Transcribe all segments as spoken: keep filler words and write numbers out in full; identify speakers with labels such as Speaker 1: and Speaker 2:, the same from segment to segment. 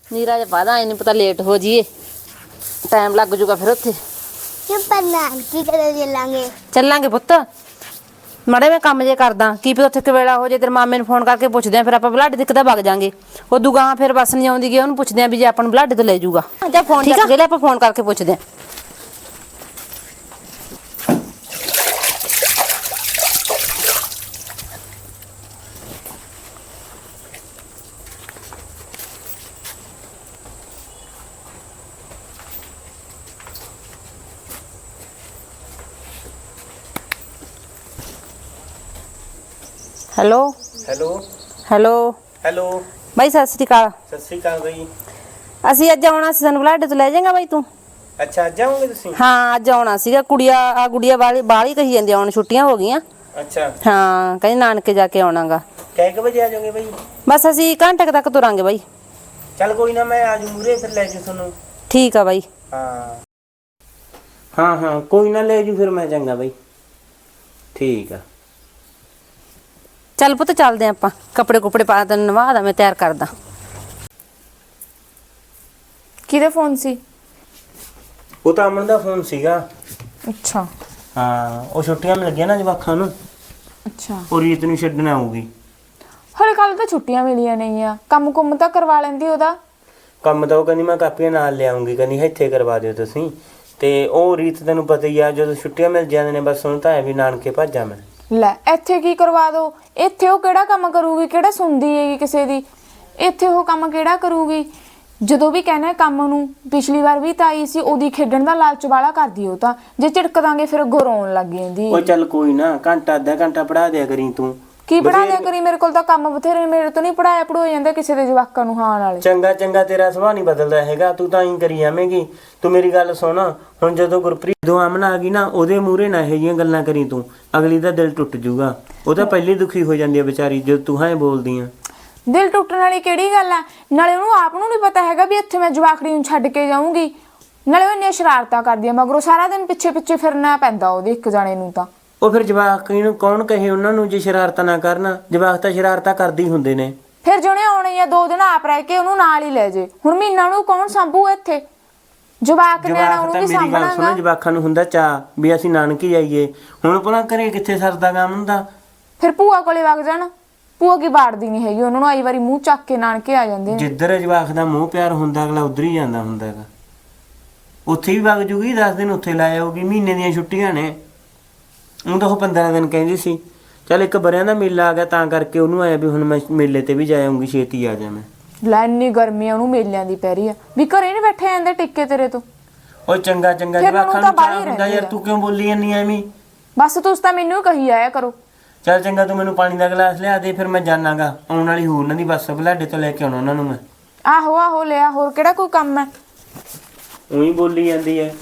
Speaker 1: नीरा च पा दा नहीं पता लेट हो जाइए टाइम लग जूगा फिर उत्थे चलांगे पुत्त माड़े मैं काम जे करदा की पता उत्थे कवेला हो जाए तेरे मामे नूं फोन करके पुछदे आ फिर आपां बलाडे तक तां वग जांगे उदों गां फिर बस नहीं आउंदी गी ओनूं पुछदे आ भी जे आपां नूं बलाडे तो ले जूगा जा फोन ठीक है आपां फोन करके पुछदे आ हेलो
Speaker 2: हेलो
Speaker 1: हेलो
Speaker 2: हेलो
Speaker 1: भाई सत श्री अकाल
Speaker 2: सत श्री अकाल भाई
Speaker 1: ਅਸੀਂ ਅੱਜ ਆਉਣਾ ਸੀ ਸਾਨੂੰ ਬਲਾਡੇ ਤੋਂ ਲੈ ਜਾਏਗਾ ਬਾਈ ਤੂੰ
Speaker 2: अच्छा ਅੱਜ ਆਉਂਗੇ ਤੁਸੀਂ
Speaker 1: ਹਾਂ ਅੱਜ ਆਉਣਾ ਸੀਗਾ ਕੁੜੀਆ ਆ ਗੁੜੀਆ ਵਾਲੀ ਬਾਹਲੀ ਕਹੀ ਜਾਂਦੀ ਆਉਣ ਛੁੱਟੀਆਂ ਹੋ ਗਈਆਂ
Speaker 2: अच्छा
Speaker 1: ਹਾਂ ਕਹਿੰਦੀ ਨਾਨਕੇ ਜਾ ਕੇ ਆਉਣਾਗਾ
Speaker 2: ਕਿੰਨੇ ਕੁ ਵਜੇ ਆ ਜਾਓਗੇ ਭਾਈ
Speaker 1: ਬਸ ਅਸੀਂ ਘੰਟੇ ਕੁ ਤੱਕ ਤੁਰਾਂਗੇ ਬਾਈ
Speaker 2: ਚੱਲ ਕੋਈ ਨਾ ਮੈਂ ਆ ਜੂ ਮੂਰੇ ਫਿਰ ਲੈ ਜੂ ਤੁਹਾਨੂੰ
Speaker 1: ਠੀਕ ਆ ਬਾਈ
Speaker 2: ਹਾਂ ਹਾਂ ਹਾਂ ਕੋਈ ਨਾ ਲੈ ਜੂ ਫਿਰ ਮੈਂ ਚੰਗਾ ਬਾਈ ਠੀਕ ਆ
Speaker 1: ਚੱਲ ਪੁੱਤ ਚੱਲਦੇ ਆਪਾਂ ਕੱਪੜੇ ਕੁਪੜੇ ਪਾ ਤੈਨੂੰ ਨਵਾ ਦਾ ਮੈਂ ਤਿਆਰ ਕਰਦਾ
Speaker 3: ਕਿਹਦਾ ਫੋਨ ਸੀ
Speaker 2: ਉਹ ਤਾਂ ਅਮਨ ਦਾ ਫੋਨ ਸੀਗਾ
Speaker 3: ਅੱਛਾ
Speaker 2: ਹਾਂ ਉਹ ਛੁੱਟੀਆਂ ਮਿਲ ਗਈਆਂ ਨਾ ਜਵਾਖਾਂ ਨੂੰ
Speaker 3: ਅੱਛਾ
Speaker 2: ਉਹ ਰੀਤ ਨੂੰ ਛੱਡਣ ਆਊਗੀ
Speaker 3: ਹਲੇ ਕੱਲ ਤਾਂ ਛੁੱਟੀਆਂ ਮਿਲੀਆਂ ਨਹੀਂ ਆ ਕੰਮ ਕੁੰਮ ਤਾਂ ਕਰਵਾ ਲੈਂਦੀ ਉਹਦਾ
Speaker 2: ਕੰਮ ਤਾਂ ਉਹ ਕਹਿੰਦੀ ਮੈਂ ਕਾਪੀਆਂ ਨਾਲ ਲਿਆਉਂਗੀ ਕਹਿੰਦੀ ਇੱਥੇ ਕਰਵਾ ਦਿਓ ਤੁਸੀਂ ਤੇ ਉਹ ਰੀਤ ਤੈਨੂੰ ਪਤਾ ਹੀ ਆ ਜਦੋਂ ਛੁੱਟੀਆਂ ਮਿਲ ਜਾਂਦੇ ਨੇ ਬਸ ਹੁਣ ਤਾਂ ਐ ਵੀ ਨਾਨਕੇ ਭੱਜਾਂ ਮੈਂ
Speaker 3: ਲੈ ਇੱਥੇ ਕੀ ਕਰਵਾ ਦੋ ਇੱਥੇ ਉਹ ਕਿਹੜਾ ਕੰਮ ਕਰੂਗੀ ਕਿਹੜਾ ਸੁਣਦੀ ਹੈਗੀ ਕਿਸੇ ਦੀ ਇੱਥੇ ਉਹ ਕੰਮ ਕਿਹੜਾ ਕਰੂਗੀ ਜਦੋਂ ਵੀ ਕਹਿਣਾ ਕੰਮ ਨੂੰ ਪਿਛਲੀ ਵਾਰ ਵੀ ਤਾਂ ਆਈ ਸੀ ਉਹਦੀ ਖੇਡਣ ਦਾ ਲਾਲਚ ਵਾਲਾ ਕਰਦੀ ਉਹ ਤਾਂ ਜੇ ਝਿੜਕ ਦਾਂਗੇ ਫਿਰ ਗਰੋਣ ਲੱਗ ਜਾਂਦੀ
Speaker 2: ਉਹ ਚੱਲ ਕੋਈ ਨਾ ਘੰਟਾ ਅੱਧਾ ਘੰਟਾ ਪੜਾ ਦਿਆ ਕਰੀ ਤੂੰ
Speaker 3: ਕੀ ਪੜਾ ਦਿਆ ਕਰੀ ਮੇਰੇ ਕੋਲ ਤਾਂ ਕੰਮ ਬਥੇਰੇ ਮੇਰੇ ਤੋਂ ਨਹੀਂ ਪੜਾਇਆ ਪੜੋ ਜਾਂਦਾ ਕਿਸੇ ਦੇ ਜਵਾਕਾਂ ਨੂੰ ਹਾਂ ਨਾਲੇ
Speaker 2: ਚੰਗਾ ਚੰਗਾ ਤੇਰਾ ਸੁਭਾਅ ਨਹੀਂ ਬਦਲਦਾ ਹੈਗਾ ਤੂੰ ਤਾਂ ਹੀ ਕਰੀ ਜਾਵੇਂਗੀ ਤੂੰ ਮੇਰੀ ਗੱਲ ਸੁਣ ਹੁਣ ਜਦੋਂ ਗੁਰਪ੍ਰੀਤ ਦੋ ਆਮਨ ਆ ਗਈ ਨਾ ਉਹਦੇ ਮੂਹਰੇ ਨਾ ਇਹੋ ਜਿਹੀਆਂ ਗੱਲਾਂ ਕਰੀ ਤੂੰ ਅਗਲੀ ਦਾ ਦਿਲ ਟੁੱਟ ਜਾਊਗਾ ਉਹ ਤਾਂ ਪਹਿਲੀ ਦੁਖੀ ਹੋ ਜਾਂਦੀ ਹੈ ਵਿਚਾਰੀ ਜਦੋਂ ਤੂੰ ਹਾਂ ਬੋਲਦੀ ਆ
Speaker 3: ਦਿਲ ਟੁੱਟਣ ਵਾਲੀ ਕਿਹੜੀ ਗੱਲ ਆ ਨਾਲੇ ਉਹਨੂੰ ਆਪ ਨੂੰ ਨਹੀਂ ਪਤਾ ਹੈਗਾ ਵੀ ਇੱਥੇ ਮੈਂ ਜਵਾਕੜੀ ਨੂੰ ਛੱਡ ਕੇ ਜਾਊਂਗੀ ਨਾਲੇ ਉਹ ਇੰਨੀਆਂ ਸ਼ਰਾਰਤਾਂ ਕਰਦੀ ਆ ਮਗਰੋਂ ਸਾਰਾ ਦਿਨ ਪਿੱਛੇ ਪਿੱਛੇ ਫਿਰਨਾ ਪੈਂਦਾ ਉਹਦੇ ਇੱਕ ਜਾਣੇ ਨੂੰ ਤਾਂ
Speaker 2: ਉਹ ਫਿਰ ਜਵਾਕ ਨੂੰ ਕੌਣ ਕਹੇ ਉਹਨਾਂ ਨੂੰ ਜੇ ਸ਼ਰਾਰਤਾਂ ਨਾ ਕਰਨ ਜਵਾਕ ਤਾਂ ਸ਼ਰਾਰਤਾਂ ਕਰਦੇ ਹੀ ਹੁੰਦੇ ਨੇ
Speaker 3: ਫਿਰ ਜਿਹਨੇ ਆਉਣੇ ਆ ਦੋ ਦਿਨ ਆਪ ਰਹਿ ਕੇ ਉਹਨੂੰ ਨਾਲ ਹੀ ਲੈ ਜੇ ਹੁਣ ਮਹੀਨਾ ਨੂੰ ਕੌਣ ਸੰਭੂ ਇੱਥੇ ਜਵਾਕ ਨੇ ਉਹਨੂੰ ਵੀ ਸੰਭਣਾਗਾ
Speaker 2: ਜਵਾਕਾਂ ਨੂੰ ਹੁੰਦਾ ਚਾਹ ਵੀ ਅਸੀਂ ਨਾਨਕੀ ਜਾਈਏ ਹੁਣ ਭਲਾ ਘਰੇ ਕਿੱਥੇ ਸਰਦਾ ਕੰਮ ਹੁੰਦਾ
Speaker 3: ਫਿਰ ਭੂਆ ਕੋਲੇ ਵਗ ਜਾਣ ਭੂਆ ਕੀ ਬਾੜਦੀ ਨਹੀਂ ਹੈਗੀ ਉਹਨਾਂ ਨੂੰ ਆਈ ਵਾਰੀ ਮੂੰਹ ਚੱਕ ਕੇ ਨਾਨਕੇ ਆ ਜਾਂਦੇ ਨੇ
Speaker 2: ਜਿੱਧਰ ਜਵਾਕ ਦਾ ਮੂੰਹ ਪਿਆਰ ਹੁੰਦਾ ਅਗਲਾ ਉਧਰ ਹੀ ਜਾਂਦਾ ਹੁੰਦਾ ਹੈਗਾ ਉੱਥੇ ਵੀ ਵਗ ਜੂਗੀ ਦਸ ਦਿਨ ਉੱਥੇ ਲਾ ਆਊਗੀ ਮਹੀਨੇ ਦੀਆਂ ਛੁੱਟੀਆਂ ਨੇ ਉਹ ਤਾਂ ਉਹ ਪੰਦਰਾਂ ਦਿਨ ਕਹਿੰਦੀ ਸੀ ਚੱਲ ਇੱਕ ਬਰਿਆਂ ਦਾ ਮੇਲਾ ਆ ਗਿਆ ਤਾਂ ਕਰਕੇ ਉਹਨੂੰ ਆਇਆ ਵੀ ਹੁਣ ਮੈਂ ਮੇਲੇ ਤੇ ਵੀ ਜਾ ਆਉਂਗੀ ਛੇਤੀ ਆ ਜਾ ਮੈਂ
Speaker 3: ਲੈ ਇੰਨੀ ਗਰਮੀ ਉਹਨੂੰ ਮੇਲਿਆਂ ਦੀ ਪੈ ਰਹੀ ਆ ਵੀ ਘਰੇ ਨਹੀਂ ਬੈਠੇ ਜਾਂਦੇ ਟਿੱਕੇ ਤੇਰੇ ਤੋਂ
Speaker 2: ਉਹ ਚੰਗਾ ਚੰਗਾ ਜਵਾਕਾਂ ਨੂੰ ਚਾਹ ਹੁੰਦਾ ਯਾਰ ਤੂੰ ਕਿਉਂ ਬੋਲੀ ਜਾਂਦੀ ਐਵੇਂ
Speaker 3: ਬਸ ਤੁਸੀਂ ਤਾਂ ਮੈਨੂੰ ਕਹੀ ਆਇਆ ਕਰੋ
Speaker 2: ਚੱਲ ਚੰਗਾ ਤੂੰ ਮੈਨੂੰ ਪਾਣੀ ਦਾ ਗਲਾਸ ਲਿਆ ਦੇ ਫਿਰ ਮੈਂ ਜਾਣਾਗਾ ਆਉਣ ਵਾਲੀ ਹੋਰ ਉਹਨਾਂ ਦੀ ਬੱਸ ਬਲਾਡੇ ਤੋਂ ਲੈ ਕੇ ਆਉਣਾ ਉਹਨਾਂ ਨੂੰ ਮੈਂ
Speaker 3: ਆਹੋ ਆਹੋ ਲਿਆ ਹੋਰ ਕਿਹੜਾ ਕੋਈ ਕੰਮ ਹੈ
Speaker 2: ਉਹੀ ਬੋਲੀ ਜਾਂਦੀ ਹੈ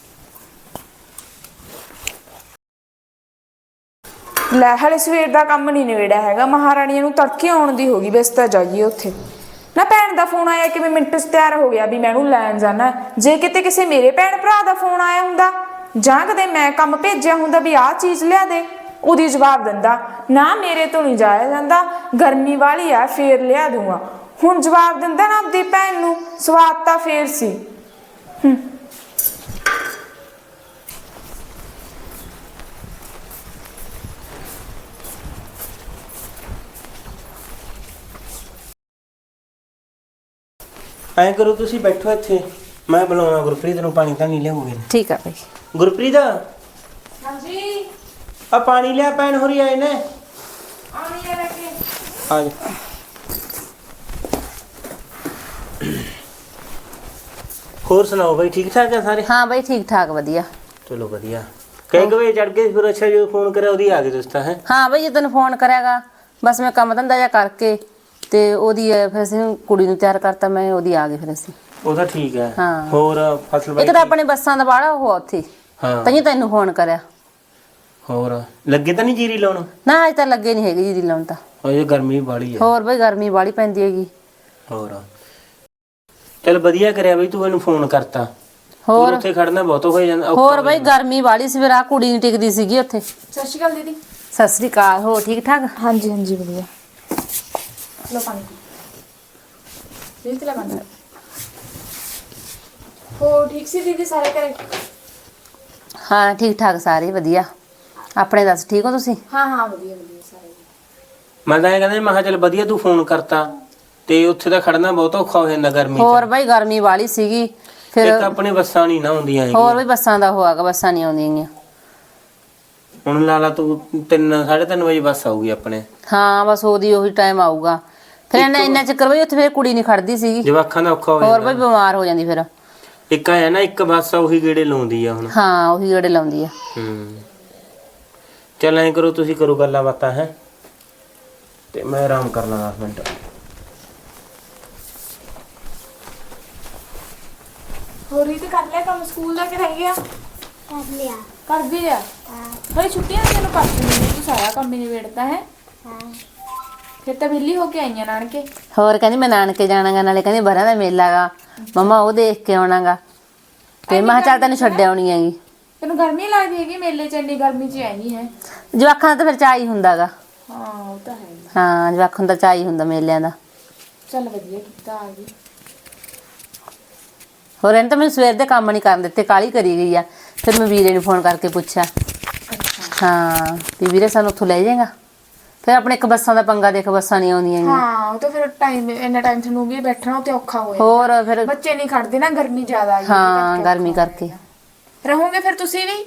Speaker 3: ਲੈ ਹਲੇ ਸਵੇਰ ਦਾ ਕੰਮ ਨਹੀਂ ਨਿਬੜਿਆ ਹੈਗਾ ਮਹਾਰਾਣੀਆਂ ਨੂੰ ਤੜਕੇ ਆਉਣ ਦੀ ਹੋ ਗਈ ਬਸ ਤਾਂ ਜਾਈਏ ਉੱਥੇ ਨਾ ਭੈਣ ਦਾ ਫੋਨ ਆਇਆ ਕਿ ਮੈਂ ਮਿੰਟ 'ਚ ਤਿਆਰ ਹੋ ਗਿਆ ਵੀ ਮੈਂ ਉਹਨੂੰ ਲੈਣ ਜਾਣਾ ਜੇ ਕਿਤੇ ਕਿਸੇ ਮੇਰੇ ਭੈਣ ਭਰਾ ਦਾ ਫੋਨ ਆਇਆ ਹੁੰਦਾ ਜਾਂ ਕਦੇ ਮੈਂ ਕੰਮ ਭੇਜਿਆ ਹੁੰਦਾ ਵੀ ਆਹ ਚੀਜ਼ ਲਿਆ ਦੇ ਉਹਦੀ ਜਵਾਬ ਦਿੰਦਾ ਨਾ ਮੇਰੇ ਤੋਂ ਨਹੀਂ ਜਾਇਆ ਜਾਂਦਾ ਗਰਮੀ ਵਾਲੀ ਆ ਫੇਰ ਲਿਆ ਦੂੰਗਾ ਹੁਣ ਜਵਾਬ ਦਿੰਦਾ ਨਾ ਆਪਦੀ ਭੈਣ ਨੂੰ ਸਵਾਦ ਤਾਂ ਫੇਰ ਸੀ ਹੂੰ
Speaker 2: ਐਂ ਕਰੋ ਤੁਸੀਂ ਬੈਠੋ ਇੱਥੇ ਮੈਂ ਬੁਲਾਉਣਾ ਗੁਰਪ੍ਰੀਤ ਨੂੰ ਪਾਣੀ ਤਾਂ ਨਹੀਂ ਲਿਆਉਂਗੇ
Speaker 1: ਠੀਕ ਆ ਬਾਈ
Speaker 2: ਗੁਰਪ੍ਰੀਤ
Speaker 3: ਹਾਂਜੀ
Speaker 2: ਆ ਪਾਣੀ ਲਿਆ ਪੈਣ ਹੋਰੀ ਆਏ ਨੇ
Speaker 3: ਆਉਣੀ ਆ ਲੈ ਕੇ
Speaker 2: ਆ ਜਾ ਹੋਰ ਸੁਣਾਓ ਬਈ ਠੀਕ ਠਾਕ ਆ ਸਾਰੇ
Speaker 1: ਹਾਂ ਬਾਈ ਠੀਕ ਠਾਕ ਵਧੀਆ
Speaker 2: ਚਲੋ ਵਧੀਆ ਕਈ ਕਵੇ ਚੜ ਕੇ ਫਿਰ ਅੱਛਾ ਜਦੋਂ ਫੋਨ ਕਰਿਆ ਉਹਦੀ ਆ ਗਏ ਦੋਸਤਾਂ ਹੈ
Speaker 1: ਹਾਂ ਬਾਈ ਜਦੋਂ ਫੋਨ ਕਰਿਆਗਾ ਬਸ ਮੈਂ ਕੰਮ ਧੰਦਾ ਜਿਹਾ ਕਰਕੇ ਤੇ ਉਹਦੀ ਫਿਰ ਅਸੀਂ ਕੁੜੀ ਨੂੰ ਤਿਆਰ ਕਰਤਾ ਮੈਂ ਉਹਦੀ ਆ ਗਏ ਫਿਰ ਅਸੀਂ
Speaker 2: ਉਹ ਤਾਂ ਠੀਕ ਹੈ
Speaker 1: ਹਾਂ
Speaker 2: ਹੋਰ ਫਸਲ ਬਾਈ
Speaker 1: ਇੱਕ ਤਾਂ ਆਪਣੇ ਬੱਸਾਂ ਦਾ ਬਾੜਾ ਉਹ ਉੱਥੇ
Speaker 2: ਹਾਂ
Speaker 1: ਤੈਨੂੰ ਤੈਨੂੰ ਫੋਨ ਕਰਿਆ
Speaker 2: ਹੋਰ ਲੱਗੇ ਤਾਂ ਨਹੀਂ ਜੀਰੀ ਲਾਉਣ
Speaker 1: ਨਾ ਅਜੇ ਤਾਂ ਲੱਗੇ ਨਹੀਂ ਹੈਗੇ ਜੀਰੀ ਲਾਉਣ ਤਾਂ
Speaker 2: ਉਹ ਗਰਮੀ ਬਾਲੀ ਹੈ
Speaker 1: ਹੋਰ ਬਈ ਗਰਮੀ ਬਾਲੀ ਪੈਂਦੀ ਹੈਗੀ
Speaker 2: ਹੋਰ ਚਲ ਵਧੀਆ ਕਰਿਆ ਬਈ ਤੂੰ ਇਹਨੂੰ ਫੋਨ ਕਰਤਾ
Speaker 1: ਹੋਰ
Speaker 2: ਉੱਥੇ ਖੜਨਾ ਬਹੁਤ ਹੋ ਜਾਂਦਾ
Speaker 1: ਹੋਰ ਬਈ ਗਰਮੀ ਬਾਲੀ ਸੀ ਫਿਰ ਆ ਕੁੜੀ ਨਹੀਂ ਟਿਕਦੀ ਸੀਗੀ ਉੱਥੇ
Speaker 3: ਸਤਿ ਸ਼੍ਰੀ ਅਕਾਲ ਦੀਦੀ
Speaker 1: ਸਤਿ ਸ੍ਰੀ ਅਕਾਲ ਹੋ ਠੀਕ ਠਾਕ
Speaker 3: ਹਾਂਜੀ ਹਾਂਜੀ ਵਧੀਆ ਲੋ ਪਾਣੀ ਪੀ ਲੈ ਪਾਣੀ ਹੋਰ ਠੀਕ ਸੀ ਦੀਦੀ ਸਾਰੇ ਘਰੇ?
Speaker 1: ਹਾਂ ਠੀਕ ਠਾਕ ਸਾਰੇ ਵਧੀਆ। ਆਪਣੇ ਦੱਸ ਠੀਕ ਹੋ ਤੁਸੀਂ?
Speaker 3: ਹਾਂ ਹਾਂ ਵਧੀਆ ਵਧੀਆ ਸਾਰੇ।
Speaker 2: ਮੈਂ ਤਾਂ ਇਹ ਕਹਿੰਦਾ ਮੈਂ ਕਿਹਾ ਚੱਲ ਵਧੀਆ ਤੂੰ ਫੋਨ ਕਰਤਾ ਤੇ ਉੱਥੇ ਤਾਂ ਖੜਨਾ ਬਹੁਤ ਔਖਾ ਹੋ ਜਾਂਦਾ ਗਰਮੀ
Speaker 1: ਹੋਰ
Speaker 2: ਚ।
Speaker 1: ਬਾਈ ਗਰਮੀ ਵਾਲੀ ਸੀਗੀ ਫਿਰ।
Speaker 2: ਇੱਕ ਆਪਣੇ ਬੱਸਾਂ ਨਹੀਂ ਨਾ ਹੁੰਦੀਆਂ
Speaker 1: ਹੋਰ
Speaker 2: ਹੈਗੀਆਂ।
Speaker 1: ਵੀ ਬੱਸਾਂ ਦਾ ਹੋਆਗਾ, ਬੱਸਾਂ ਨਹੀਂ ਆਉਂਦੀਆਂ ਗੀਆਂ।
Speaker 2: ਹੁਣ ਲਾ ਲਾ ਤੂੰ ਤਿੰਨ ਸਾਢੇ ਤਿੰਨ ਵਜੇ ਬੱਸ ਆਊਗੀ ਆਪਣੇ।
Speaker 1: ਹਾਂ ਬਸ ਉਹਦੀ ਉਹੀ ਟਾਈਮ ਆਊਗਾ ਫਿਰ। ਇੰਨਾ ਇੰਨਾ ਚੱਕਰ ਬਈ ਉੱਥੇ ਫਿਰ ਕੁੜੀ ਨਹੀਂ ਖੜਦੀ ਸੀਗੀ।
Speaker 2: ਜਵਾਕਾਂ ਦਾ ਔਖਾ ਹੋ
Speaker 1: ਹੋਰ ਬਈ
Speaker 2: ਜਾਂਦਾ।
Speaker 1: ਬਿਮਾਰ ਹੋ ਜਾਂਦੀ ਫਿਰ।
Speaker 2: ਇੱਕ ਹੈ ਨਾ ਇੱਕ ਬੱਸ ਆ ਉਹੀ ਗੇੜੇ ਲਾਉਂਦੀ ਆ ਹੁਣ।
Speaker 1: ਹਾਂ ਉਹੀ ਗੇੜੇ ਲਾਉਂਦੀ ਆ।
Speaker 2: ਹੂੰ ਚੱਲ ਐਂ ਕਰੋ ਤੁਸੀਂ ਕਰੋ ਗੱਲਾਂ ਬਾਤਾਂ ਹੈ ਤੇ ਮੈਂ ਆਰਾਮ ਕਰ ਲਾਂ ਦਸ ਮਿੰਟ।
Speaker 3: ਹੋਰ ਇਹ ਤੇ ਕਰ ਲਿਆ ਕੰਮ ਸਕੂਲ ਦਾ ਕਿ ਰਹਿ ਗਿਆ?
Speaker 4: ਕਰ ਲਿਆ।
Speaker 3: ਕਰ ਵੀ ਲਿਆ?
Speaker 4: ਹਾਂ
Speaker 3: ਹਲੇ ਛੁੱਟੀਆਂ ਨੇ, ਤੈਨੂੰ ਪਰਸੋਂ ਨਹੀਂ ਤੂੰ ਸਾਰਾ ਕੰਮ ਹੀ ਨਿਬੇੜਤਾ ਹੈ।
Speaker 4: ਹਾਂ
Speaker 3: ਫਿਰ ਤਾਂ ਵਿਹਲੀ ਹੋ ਕੇ ਆਈਆਂ ਨਾਨਕੇ।
Speaker 1: ਹੋਰ ਕਹਿੰਦੀ ਮੈਂ ਨਾਨਕੇ ਜਾਣਾਗਾ, ਨਾਲੇ ਕਹਿੰਦੀ ਬਰਾਂ ਦਾ ਮੇਲਾ ਗਾ ਮੰਮਾ ਉਹ ਦੇਖ ਕੇ ਆਉਣਾਗਾ। ਤੇ ਮੈਂ ਕਿਹਾ ਚੱਲ ਤੈਨੂੰ ਛੱਡ ਆਉਣੀ ਹੈਗੀ।
Speaker 3: ਤੈਨੂੰ ਗਰਮੀ ਲੱਗਦੀ ਹੈਗੀ ਮੇਲੇ ਚ? ਇੰਨੀ ਗਰਮੀ ਚ ਆਈ ਹੈ।
Speaker 1: ਜਵਾਕਾਂ ਦਾ ਤਾਂ ਫਿਰ ਚਾਅ ਹੀ ਹੁੰਦਾਗਾ।
Speaker 3: ਹਾਂ ਉਹ ਤਾਂ ਹੈ।
Speaker 1: ਹਾਂ ਜਵਾਕਾਂ ਦਾ ਚਾਅ ਹੀ ਹੁੰਦਾ ਮੇਲਿਆਂ ਦਾ।
Speaker 3: ਚੱਲ ਵਧੀਆ ਕੀਤਾ ਆ ਗਈ।
Speaker 1: ਹੋਰ ਇਹਨੇ ਤਾਂ ਮੈਨੂੰ ਸਵੇਰ ਦੇ ਕੰਮ ਨਹੀਂ ਕਰਨ ਦਿੱਤੇ, ਕਾਹਲੀ ਕਰੀ ਗਈ ਆ। ਫਿਰ ਮੈਂ ਵੀਰੇ ਨੂੰ ਫੋਨ ਕਰਕੇ ਪੁੱਛਿਆ। ਹਾਂ ਵੀ ਵੀਰੇ ਸਾਨੂੰ ਉੱਥੋਂ ਲੈ ਜਾਏਗਾ। ਫਿਰ ਆਪਣੇ ਇੱਕ ਬੱਸਾਂ ਦਾ ਪੰਗਾ ਦੇਖ, ਬੱਸਾਂ ਨਹੀਂ ਆਉਂਦੀਆਂ।
Speaker 3: ਹਾਂ ਉਹ ਤਾਂ ਫਿਰ ਟਾਈਮ ਇੰਨਾ ਟਾਈਮ ਤੁਹਾਨੂੰ ਵੀ ਬੈਠਣਾ ਉੱਤੇ ਔਖਾ ਹੋਇਆ।
Speaker 1: ਹੋਰ ਫਿਰ
Speaker 3: ਬੱਚੇ ਨਹੀਂ ਖੜਦੇ ਨਾ, ਗਰਮੀ ਜ਼ਿਆਦਾ ਆ ਗਈ।
Speaker 1: ਹਾਂ ਗਰਮੀ ਕਰਕੇ।
Speaker 3: ਰਹੋਗੇ ਫਿਰ ਤੁਸੀਂ ਵੀ?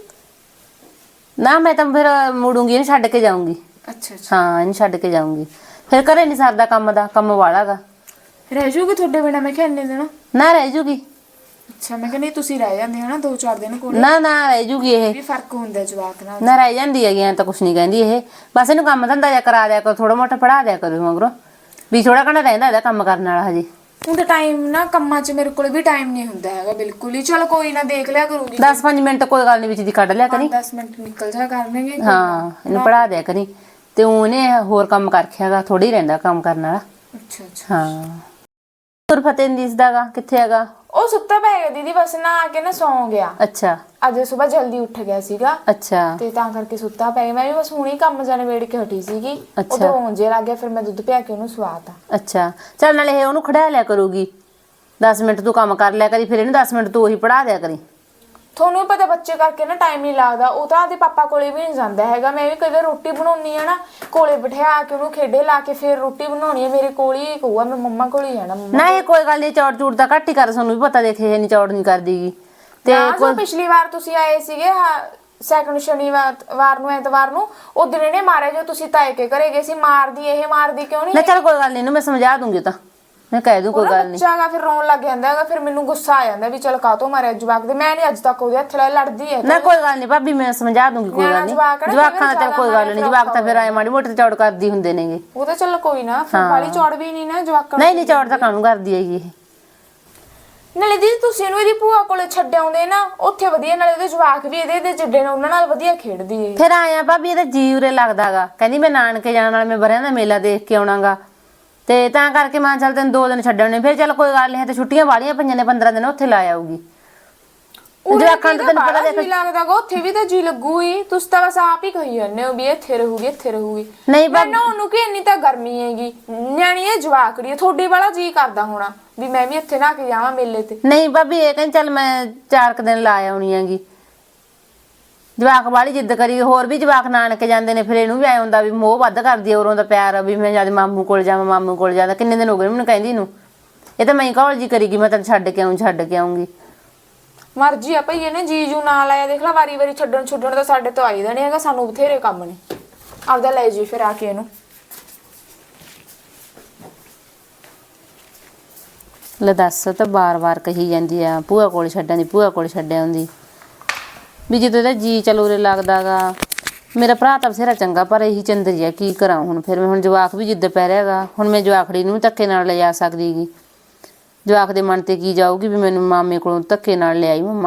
Speaker 1: ਨਾ ਮੈਂ ਤਾਂ ਫਿਰ ਮੁੜੂੰਗੀ, ਇਹਨੂੰ ਛੱਡ ਕੇ ਜਾਊਂਗੀ।
Speaker 3: ਅੱਛਾ ਅੱਛਾ
Speaker 1: ਹਾਂ ਇਹਨੂੰ ਛੱਡ ਕੇ ਜਾਊਂਗੀ। ਫਿਰ ਘਰੇ ਨਹੀਂ ਸਰਦਾ ਕੰਮ ਦਾ, ਕੰਮ ਵਾਲਾਗਾ।
Speaker 3: ਰਹਿ ਜੂਗੀ ਤੁਹਾਡੇ ਬਿਨਾ? ਮੈਂ ਕਿਹਾ ਇੰਨੇ ਦਿਨ।
Speaker 1: ਨਾ ਰਹਿ ਜੂਗੀ।
Speaker 3: ਅੱਛਾ ਮੈਂ ਕਿਹਾ ਨਹੀਂ ਤੁਸੀਂ ਰਹਿ ਜਾਂਦੇ ਹੋ ਨਾ ਦੋ ਚਾਰ ਦਿਨ ਕੋਲ।
Speaker 1: ਨਾ ਨਾ ਰਹਿ ਜੂਗੀ ਇਹ।
Speaker 3: ਵੀ ਫਰਕ ਹੁੰਦਾ ਜਵਾਕ ਨਾਲ।
Speaker 1: ਨਾ ਰਹਿ ਜਾਂਦੀ ਹੈਗੀ, ਐਂ ਤਾਂ ਕੁਛ ਨਹੀਂ ਕਹਿੰਦੀ ਇਹ। ਬਸ ਇਹਨੂੰ ਕੰਮ ਧੰਦਾ ਜਿਹਾ ਕਰਾ ਦਿਆ ਕਰੋ, ਥੋੜਾ ਮੋਟਾ ਪੜ੍ਹਾ ਦਿਆ ਕਰੋ ਮਗਰੋਂ। ਵੀ ਥੋੜਾ ਘਣਾ ਰਹਿੰਦਾ ਇਹਦਾ ਕੰਮ ਕਰਨ ਵਾਲਾ ਹਜੇ।
Speaker 3: ਹੁਣ ਤਾਂ ਟਾਈਮ ਨਾ ਕੰਮਾਂ 'ਚ ਮੇਰੇ ਕੋਲ ਵੀ ਟਾਈਮ ਨਹੀਂ ਹੁੰਦਾ ਹੈਗਾ ਬਿਲਕੁਲ ਹੀ। ਚਲ ਕੋਈ ਨਾ ਦੇਖ ਲਿਆ ਕਰੂੰਗੀ।
Speaker 1: ਦਸ ਪੰਜ ਮਿੰਟ ਕੋਈ ਗੱਲ ਨਹੀਂ ਵਿੱਚ ਦੀ ਕੱਢ ਲਿਆ ਕਰੀ।
Speaker 3: ਦਸ ਮਿੰਟ ਨਿਕਲ ਜਾ ਕਰਨਗੇ।
Speaker 1: ਹਾਂ ਇਹਨੂੰ ਪੜ੍ਹਾ ਦਿਆ ਕਰੀ। ਤੇ ਉਹਨੇ ਹੋਰ ਕੰਮ ਕਰ ਰੱਖਿਆਗਾ, ਥੋੜੀ ਰਹਿੰਦਾ ਕੰਮ ਕਰਨ ਵਾਲਾ।
Speaker 3: ਅੱਛਾ ਅੱਛਾ
Speaker 1: ਹਾਂ ਤੁਰ ਫਤਿਹ ਨਹੀਂ ਦਿਸਦਾਗਾ, ਕਿੱਥੇ ਹੈਗਾ?
Speaker 3: ਉਹ ਸੁੱਤਾ ਪਏਗਾ ਦੀਦੀ, ਬਸ ਨਾ ਆ ਕੇ ਨਾ ਸੌਂ ਗਿਆ।
Speaker 1: ਅੱਛਾ
Speaker 3: ਅੱਜ ਸਵੇਰ ਜਲਦੀ ਉੱਠ ਗਿਆ ਸੀਗਾ
Speaker 1: ਅੱਛਾ
Speaker 3: ਤੇ ਤਾਂ ਕਰਕੇ ਸੁੱਤਾ ਪੈ ਗਿਆ। ਮੈਂ ਵੀ ਬਸ ਹੁਣੀ ਕੰਮ ਜਾਣੇ ਵੇੜ ਕੇ ਹਟੀ ਸੀਗੀ।
Speaker 1: ਅੱਛਾ।
Speaker 3: ਉਦੋਂ ਉਂਝੇ ਲੱਗ ਗਿਆ, ਫਿਰ ਮੈਂ ਦੁੱਧ ਪਿਆ ਕੇ ਉਹਨੂੰ ਸਵਾਤਾ।
Speaker 1: ਅੱਛਾ ਚੱਲ ਨਾਲੇ ਇਹ ਉਹਨੂੰ ਖੜਾ ਲਿਆ ਕਰੂਗੀ। ਦਸ ਮਿੰਟ ਤੂੰ ਕੰਮ ਕਰ ਲਿਆ ਕਰੀ, ਫਿਰ ਇਹਨੂੰ ਦਸ ਮਿੰਟ ਤੂੰ ਉਹੀ ਪੜ੍ਹਾ ਦਿਆ ਕਰੀ।
Speaker 3: ਤੁਹਾਨੂੰ ਵੀ ਪਤਾ ਬੱਚੇ ਕਰਕੇ ਨਾ ਟਾਈਮ ਨਹੀਂ ਲੱਗਦਾ। ਉਹ ਤਾਂ ਆਦੇ ਪਾਪਾ ਕੋਲੇ ਵੀ ਨਹੀਂ ਜਾਂਦਾ ਹੈਗਾ। ਮੈਂ ਵੀ ਕਈ ਵਾਰ ਰੋਟੀ ਬਣਾਉਣੀ ਆ ਨਾ, ਕੋਲੇ ਬਿਠਾ ਕੇ ਉਹਨੂੰ ਖੇਡੇ ਲਾ ਕੇ ਫਿਰ ਰੋਟੀ ਬਣਾਉਣੀ ਹੈ। ਮੇਰੇ ਕੋਲ ਹੀ ਕਹੂਗਾ ਮੈਂ ਮੰਮਾ ਕੋਲ ਹੀ ਜਾਣਾ। ਮੰਮਾ
Speaker 1: ਨਾ ਇਹ ਕੋਈ ਗੱਲ ਨਹੀਂ, ਚੌੜ ਚੂੜ ਤਾਂ ਘੱਟ ਹੀ ਕਰ, ਤੁਹਾਨੂੰ ਵੀ ਪਤਾ ਦੇਖੇ ਇਹ ਨਹੀਂ ਚੌੜ ਨਹੀਂ ਕਰਦੀਗੀ।
Speaker 3: ਤੇ ਜੋ ਪਿਛਲੀ ਵਾਰ ਤੁਸੀਂ ਆਏ ਸੀਗੇ ਸੈਕੰਡ ਸ਼ਨੀਵਾਰ ਵਾਰ ਨੂੰ ਐਤਵਾਰ ਨੂੰ, ਉਹ ਦਿਨ ਇਹਨੇ ਮਾਰਿਆ ਜੋ ਤੁਸੀਂ ਤਾਏ ਕੇ ਘਰੇ ਗਏ ਸੀ। ਮਾਰਦੀ ਇਹ ਮਾਰਦੀ ਕਿਉਂ ਨਹੀਂ?
Speaker 1: ਨਾ ਚੱਲ ਕੋਈ ਗੱਲ ਨਹੀਂ, ਇਹਨੂੰ ਮੈਂ ਸਮਝਾ ਦੂੰਗੀ। ਤਾਂ ਮੈਂ ਕਹਿ ਦੂੰ ਕੋਈ ਗੱਲ ਨਹੀਂ।
Speaker 3: ਬੱਚਾ ਗਾ ਫਿਰ ਰੋਣ ਲੱਗ ਜਾਂਦਾ ਹੈਗਾ। ਫਿਰ ਮੈਨੂੰ ਗੁੱਸਾ ਆ ਜਾਂਦਾ ਵੀ ਚਲ ਕਾਹਤੋਂ ਮਾਰਿਆ ਜਵਾਕ ਦੇ। ਮੈਂ ਨਹੀਂ ਅੱਜ ਤੱਕ ਉਹਦੇ ਹੱਥ ਲੈ ਲੜਦੀ ਹੈ।
Speaker 1: ਨਾ ਕੋਈ ਗੱਲ ਨਹੀਂ ਭਾਬੀ, ਮੈਂ ਸਮਝਾ ਦੂੰਗੀ, ਕੋਈ ਗੱਲ ਨਹੀਂ। ਜਵਾਕਾਂ ਦਾ ਚੱਲ ਕੋਈ ਗੱਲ ਨਹੀਂ, ਜਵਾਕ ਤਾਂ ਫਿਰ ਆਏ ਮਾੜੀ ਮੋਟੀ ਚੌੜ ਕਰਦੀ ਹੁੰਦੇ ਨੇਗੇ।
Speaker 3: ਉਹ ਤਾਂ ਚੱਲ ਕੋਈ ਨਾ, ਫਿਰ ਵਾਲੀ ਚੌੜ ਵੀ ਨਹੀਂ ਨਾ ਜਵਾਕਾਂ।
Speaker 1: ਨਹੀਂ ਨਹੀਂ ਚੌੜ ਤਾਂ ਕਾਹਨੂੰ ਕਰਦੀ ਹੈਗੀ ਇਹ।
Speaker 3: ਨਾਲੇ ਦੀਦੀ ਤੁਸੀਂ ਇਹਨੂੰ ਇਹਦੀ ਭੂਆ ਕੋਲੇ ਛੱਡ ਆਉਂਦੇ ਨਾ, ਉੱਥੇ ਵਧੀਆ। ਨਾਲੇ ਉਹਦੇ ਜਵਾਕ ਵੀ ਇਹਦੇ ਦੇ ਜਿੱਡੇ ਨੇ, ਉਹਨਾਂ ਨਾਲ ਵਧੀਆ ਖੇਡਦੀ ਏ।
Speaker 1: ਫਿਰ ਆਇਆ ਭਾਬੀ ਇਹਦਾ ਜੀ ਉਰੇ ਲੱਗਦਾਗਾ। ਕਹਿੰਦੀ ਮੈਂ ਨਾਨਕੇ ਜਾਣ ਨਾਲ ਮੈਂ ਬਰਿਆਂ ਦਾ ਮੇਲਾ ਦੇਖ ਕੇ ਆਉਣਾਗਾ। ਤੇ ਤਾਂ ਕਰਕੇ ਮੈਂ ਚੱਲ ਤੈਨੂੰ ਦੋ ਦਿਨ ਛੱਡਣੇ। ਫਿਰ ਚੱਲ ਕੋਈ ਗੱਲ ਨਹੀਂ, ਤੇ ਛੁੱਟੀਆਂ ਵਾਲੀਆਂ ਪਈਆਂ ਨੇ, ਪੰਦਰਾਂ ਦਿਨ ਉੱਥੇ ਲਾ ਆਊਗੀ। ਜਵਾਕਾਂ ਦਾ ਤੈਨੂੰ ਪਤਾ ਦੇਖ
Speaker 3: ਲੱਗਦਾਗਾ ਉੱਥੇ ਵੀ ਤਾਂ ਜੀ ਲੱਗੂ ਹੀ। ਤੁਸੀਂ ਤਾਂ ਬਸ ਆਪ ਹੀ ਕਹੀ ਜਾਂਦੇ ਹੋ ਵੀ ਇੱਥੇ ਰਹੂਗੀ ਇੱਥੇ ਰਹੂਗੀ।
Speaker 1: ਨਹੀਂ
Speaker 3: ਮੈਂ ਨਾ ਉਹਨੂੰ ਕਿ ਇੰਨੀ ਤਾਂ ਗਰਮੀ ਹੈਗੀ, ਨਿਆਣੀ ਹੈ ਜਵਾਕੜੀ ਹੈ। ਤੁਹਾਡੇ ਵਾਲਾ ਜੀ ਕਰਦਾ ਹੋਣਾ ਵੀ ਮੈਂ ਵੀ ਇੱਥੇ ਨਾ ਕੇ ਜਾਵਾਂ ਮੇਲੇ ਤੇ।
Speaker 1: ਨਹੀਂ ਭਾਬੀ ਇਹ ਕਹਿੰਦੀ ਚੱਲ ਮੈਂ ਚਾਰ ਕੁ ਦਿਨ ਲਾ ਆਉਣੀ ਹੈਗੀ। ਜਵਾਕ ਵਾਲੀ ਜਿੱਦ ਕਰੀ। ਹੋਰ ਵੀ ਜਵਾਕ ਨਾਨਕੇ ਜਾਂਦੇ ਨੇ, ਫਿਰ ਇਹਨੂੰ ਵੀ ਐ ਹੁੰਦਾ ਵੀ ਮੋਹ ਵੱਧ ਕਰਦੀ ਹੈ ਉਰੋਂ ਦਾ ਪਿਆਰ, ਵੀ ਮੈਂ ਜਦ ਮਾਮੂ ਕੋਲ ਜਾਵਾਂ ਮਾਮੂ ਕੋਲ ਜਾਂਦਾ। ਕਿੰਨੇ ਦਿਨ ਹੋ ਗਏ ਮੈਨੂੰ ਕਹਿੰਦੀ ਨੂੰ। ਇਹ ਤਾਂ ਮੈਂ ਕਹਲ ਜੀ ਕਰੀਗੀ ਮੈਂ ਤੈਨੂੰ ਛੱਡ ਕੇ ਆਉਂ ਛੱਡ ਕੇ ਆਉਂਗੀ।
Speaker 3: ਮਰਜੀ ਆ ਭਈ ਇਹਨੇ ਜੀਜੂ ਨਾਲ ਆਇਆ ਦੇਖ ਲੈ। ਵਾਰੀ ਵਾਰੀ ਛੱਡਣ ਛੁੱਡਣ ਤਾਂ ਸਾਡੇ ਤੋਂ ਆਈ ਦਾ ਨਹੀਂ ਹੈਗਾ। ਸਾਨੂੰ ਬਥੇਰੇ ਕੰਮ ਨੇ। ਆਪਦਾ ਲੈ ਜੀ ਫਿਰ ਆ ਕੇ ਇਹਨੂੰ।
Speaker 1: ਲੈ ਦੱਸ, ਤਾਂ ਬਾਰ-ਬਾਰ ਕਹੀ ਜਾਂਦੀ ਆ ਭੂਆ ਕੋਲ ਛੱਡਣ ਦੀ, ਭੂਆ ਕੋਲ ਛੱਡ ਆਉਂਦੀ। ਵੀ ਜਦੋਂ ਇਹਦਾ ਜੀ ਚਲ ਉਰੇ ਲੱਗਦਾਗਾ। ਮੇਰਾ ਭਰਾ ਤਾਂ ਬਥੇਰਾ ਚੰਗਾ, ਪਰ ਇਹੀ ਚੰਦਰੀ ਆ, ਕੀ ਕਰਾਂ ਹੁਣ। ਫਿਰ ਮੈਂ ਹੁਣ ਜਵਾਕ ਵੀ ਜਿੱਦ ਪੈ ਰਿਹਾਗਾ। ਹੁਣ ਮੈਂ ਜਵਾਕੜੀ ਨੂੰ ਵੀ ਧੱਕੇ ਨਾਲ ਲਿਜਾ ਸਕਦੀ ਗੀ। ਜਵਾਕ ਦੇ ਮਨ ਤੇ ਕੀ ਜਾਊਗੀ ਵੀ ਮੈਨੂੰ ਮਾਮੇ ਕੋਲੋਂ ਧੱਕੇ ਨਾਲ ਲਿਆਈ ਮੰਮਾ।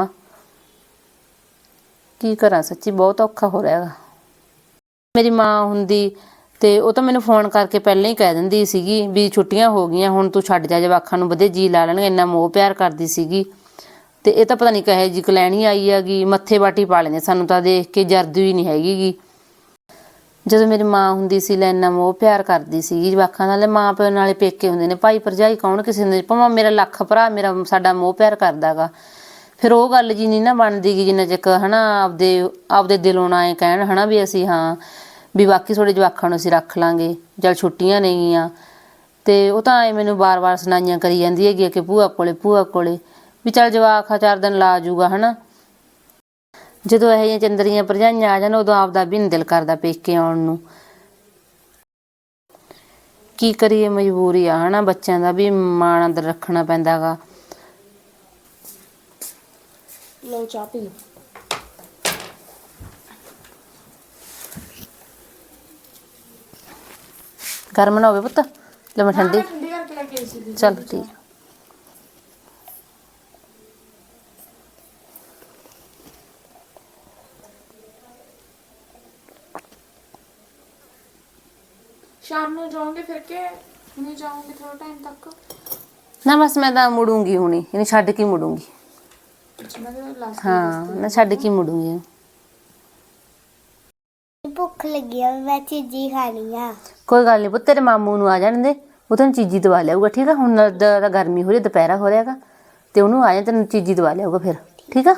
Speaker 1: ਕੀ ਕਰਾਂ ਸੱਚੀ, ਬਹੁਤ ਔਖਾ ਹੋ ਰਿਹਾ ਹੈਗਾ। ਮੇਰੀ ਮਾਂ ਹੁੰਦੀ ਤੇ ਉਹ ਤਾਂ ਮੈਨੂੰ ਫੋਨ ਕਰਕੇ ਪਹਿਲਾਂ ਹੀ ਕਹਿ ਦਿੰਦੀ ਸੀਗੀ ਵੀ ਛੁੱਟੀਆਂ ਹੋ ਗਈਆਂ, ਹੁਣ ਤੂੰ ਛੱਡ ਜਾ ਜਵਾਕਾਂ ਨੂੰ, ਵਧੇ ਜੀ ਲਾ ਲੈਣਗੇ। ਇੰਨਾ ਮੋਹ ਪਿਆਰ ਕਰਦੀ ਸੀਗੀ। ਤੇ ਇਹ ਤਾਂ ਪਤਾ ਨਹੀਂ ਕਹੇ ਜੀ ਕਲੈਣੀ ਆਈ ਹੈਗੀ। ਮੱਥੇ ਬਾਟੀ ਪਾ ਲੈਂਦੇ ਸਾਨੂੰ ਤਾਂ ਦੇਖ ਕੇ, ਜਰਦੀ ਹੀ ਨਹੀਂ ਹੈਗੀ ਗੀ। ਜਦੋਂ ਮੇਰੀ ਮਾਂ ਹੁੰਦੀ ਸੀ ਲੈ ਇੰਨਾ ਮੋਹ ਪਿਆਰ ਕਰਦੀ ਸੀਗੀ ਜਵਾਕਾਂ ਨਾਲ। ਮਾਂ ਪਿਓ ਨਾਲੇ ਪੇਕੇ ਹੁੰਦੇ ਨੇ, ਭਾਈ ਭਰਜਾਈ ਕੌਣ ਕਿਸੇ ਹੁੰਦੇ। ਭਾਵੇਂ ਮੇਰਾ ਲੱਖ ਭਰਾ ਮੇਰਾ ਸਾਡਾ ਮੋਹ ਪਿਆਰ ਕਰਦਾ ਗਾ। ਫਿਰ ਉਹ ਗੱਲ ਜੀ ਨਹੀਂ ਨਾ ਬਣਦੀ ਗੀ ਜਿੰਨਾ ਚਿਰ ਹਨਾ ਆਪਦੇ ਆਪਦੇ ਦਿਲੋਂ ਨਾ ਐ ਕਹਿਣ ਹਨਾ ਵੀ ਅਸੀਂ ਹਾਂ ਵੀ ਬਾਕੀ ਤੁਹਾਡੇ ਜਵਾਕਾਂ ਨੂੰ ਅਸੀਂ ਰੱਖ ਲਾਂਗੇ, ਚੱਲ ਛੁੱਟੀਆਂ ਨੇਗੀਆਂ। ਤੇ ਉਹ ਤਾਂ ਐ ਮੈਨੂੰ ਵਾਰ-ਵਾਰ ਸੁਣਾਈਆਂ ਕਰੀ ਜਾਂਦੀ ਹੈਗੀ ਕਿ ਭੂਆ ਕੋਲੇ ਭੂਆ ਕੋਲੇ ਵੀ ਚੱਲ ਜਵਾਕ ਆ ਚਾਰ ਦਿਨ ਲਾ ਜੂਗਾ ਹਨਾ। ਜਦੋਂ ਇਹੋ ਜਿਹੀਆਂ ਚੰਦਰੀਆਂ ਭਰਜਾਈਆਂ ਆ ਜਾਣ ਉਦੋਂ ਆਪਦਾ ਵੀ ਨੀ ਦਿਲ ਕਰਦਾ ਪੇਕੇ ਆਉਣ ਨੂੰ। ਕੀ ਕਰੀਏ, ਮਜਬੂਰੀ ਆ ਹਨਾ, ਬੱਚਿਆਂ ਦਾ ਵੀ ਮਾਣ ਅੰਦਰ ਰੱਖਣਾ ਪੈਂਦਾ ਗਾ।
Speaker 3: ਲਓ ਚਾਹ ਪੀ ਲਓ।
Speaker 1: ਗਰਮ ਨਾ ਹੋਵੇ ਪੁੱਤ, ਲੈ ਮੈਂ ਠੰਡੀ
Speaker 3: ਠੰਡੀ ਕਰਕੇ ਲੈ ਕੇ ਆਈ ਸੀ।
Speaker 1: ਚੱਲ ਠੀਕ।
Speaker 3: ਸ਼ਾਮ ਨੂੰ ਜਾਓਗੇ ਫਿਰ ਕੇ ਹੁਣੇ ਜਾਓਗੇ ਥੋੜਾ ਟਾਈਮ ਤੱਕ?
Speaker 1: ਨਾ ਬਸ ਮੈਂ ਤਾਂ ਮੁੜੂੰਗੀ ਹੁਣੀ, ਇਹਨੂੰ ਛੱਡ ਕੇ ਮੁੜੂੰਗੀ।
Speaker 3: ਅੱਛਾ ਮੈਂ ਤਾਂ ਲਾਸਟ
Speaker 1: ਹਾਂ ਮੈਂ ਛੱਡ ਕੇ ਮੁੜੂੰਗੀ।
Speaker 4: ਭੁੱਖ ਲੱਗੀ ਆ, ਮੈਂ ਚੀਜ਼ੀ ਖਾਣੀ ਆ।
Speaker 1: ਕੋਈ ਗੱਲ ਨਹੀਂ ਪੁੱਤ, ਤੇਰੇ ਮਾਮੂ ਨੂੰ ਆ ਜਾਣ ਦੇ, ਉਹ ਤੈਨੂੰ ਚੀਜ਼ੀ ਦਵਾ ਲਿਆਊਗਾ ਠੀਕ ਆ। ਹੁਣ ਤਾਂ ਗਰਮੀ ਹੋ ਰਹੀ, ਦੁਪਹਿਰਾ ਹੋ ਰਿਹਾ ਹੈਗਾ, ਤੇ ਉਹਨੂੰ ਆ ਜਾ ਤੈਨੂੰ ਚੀਜ਼ੀ ਦਵਾ ਲਿਆਊਗਾ ਫਿਰ, ਠੀਕ ਆ।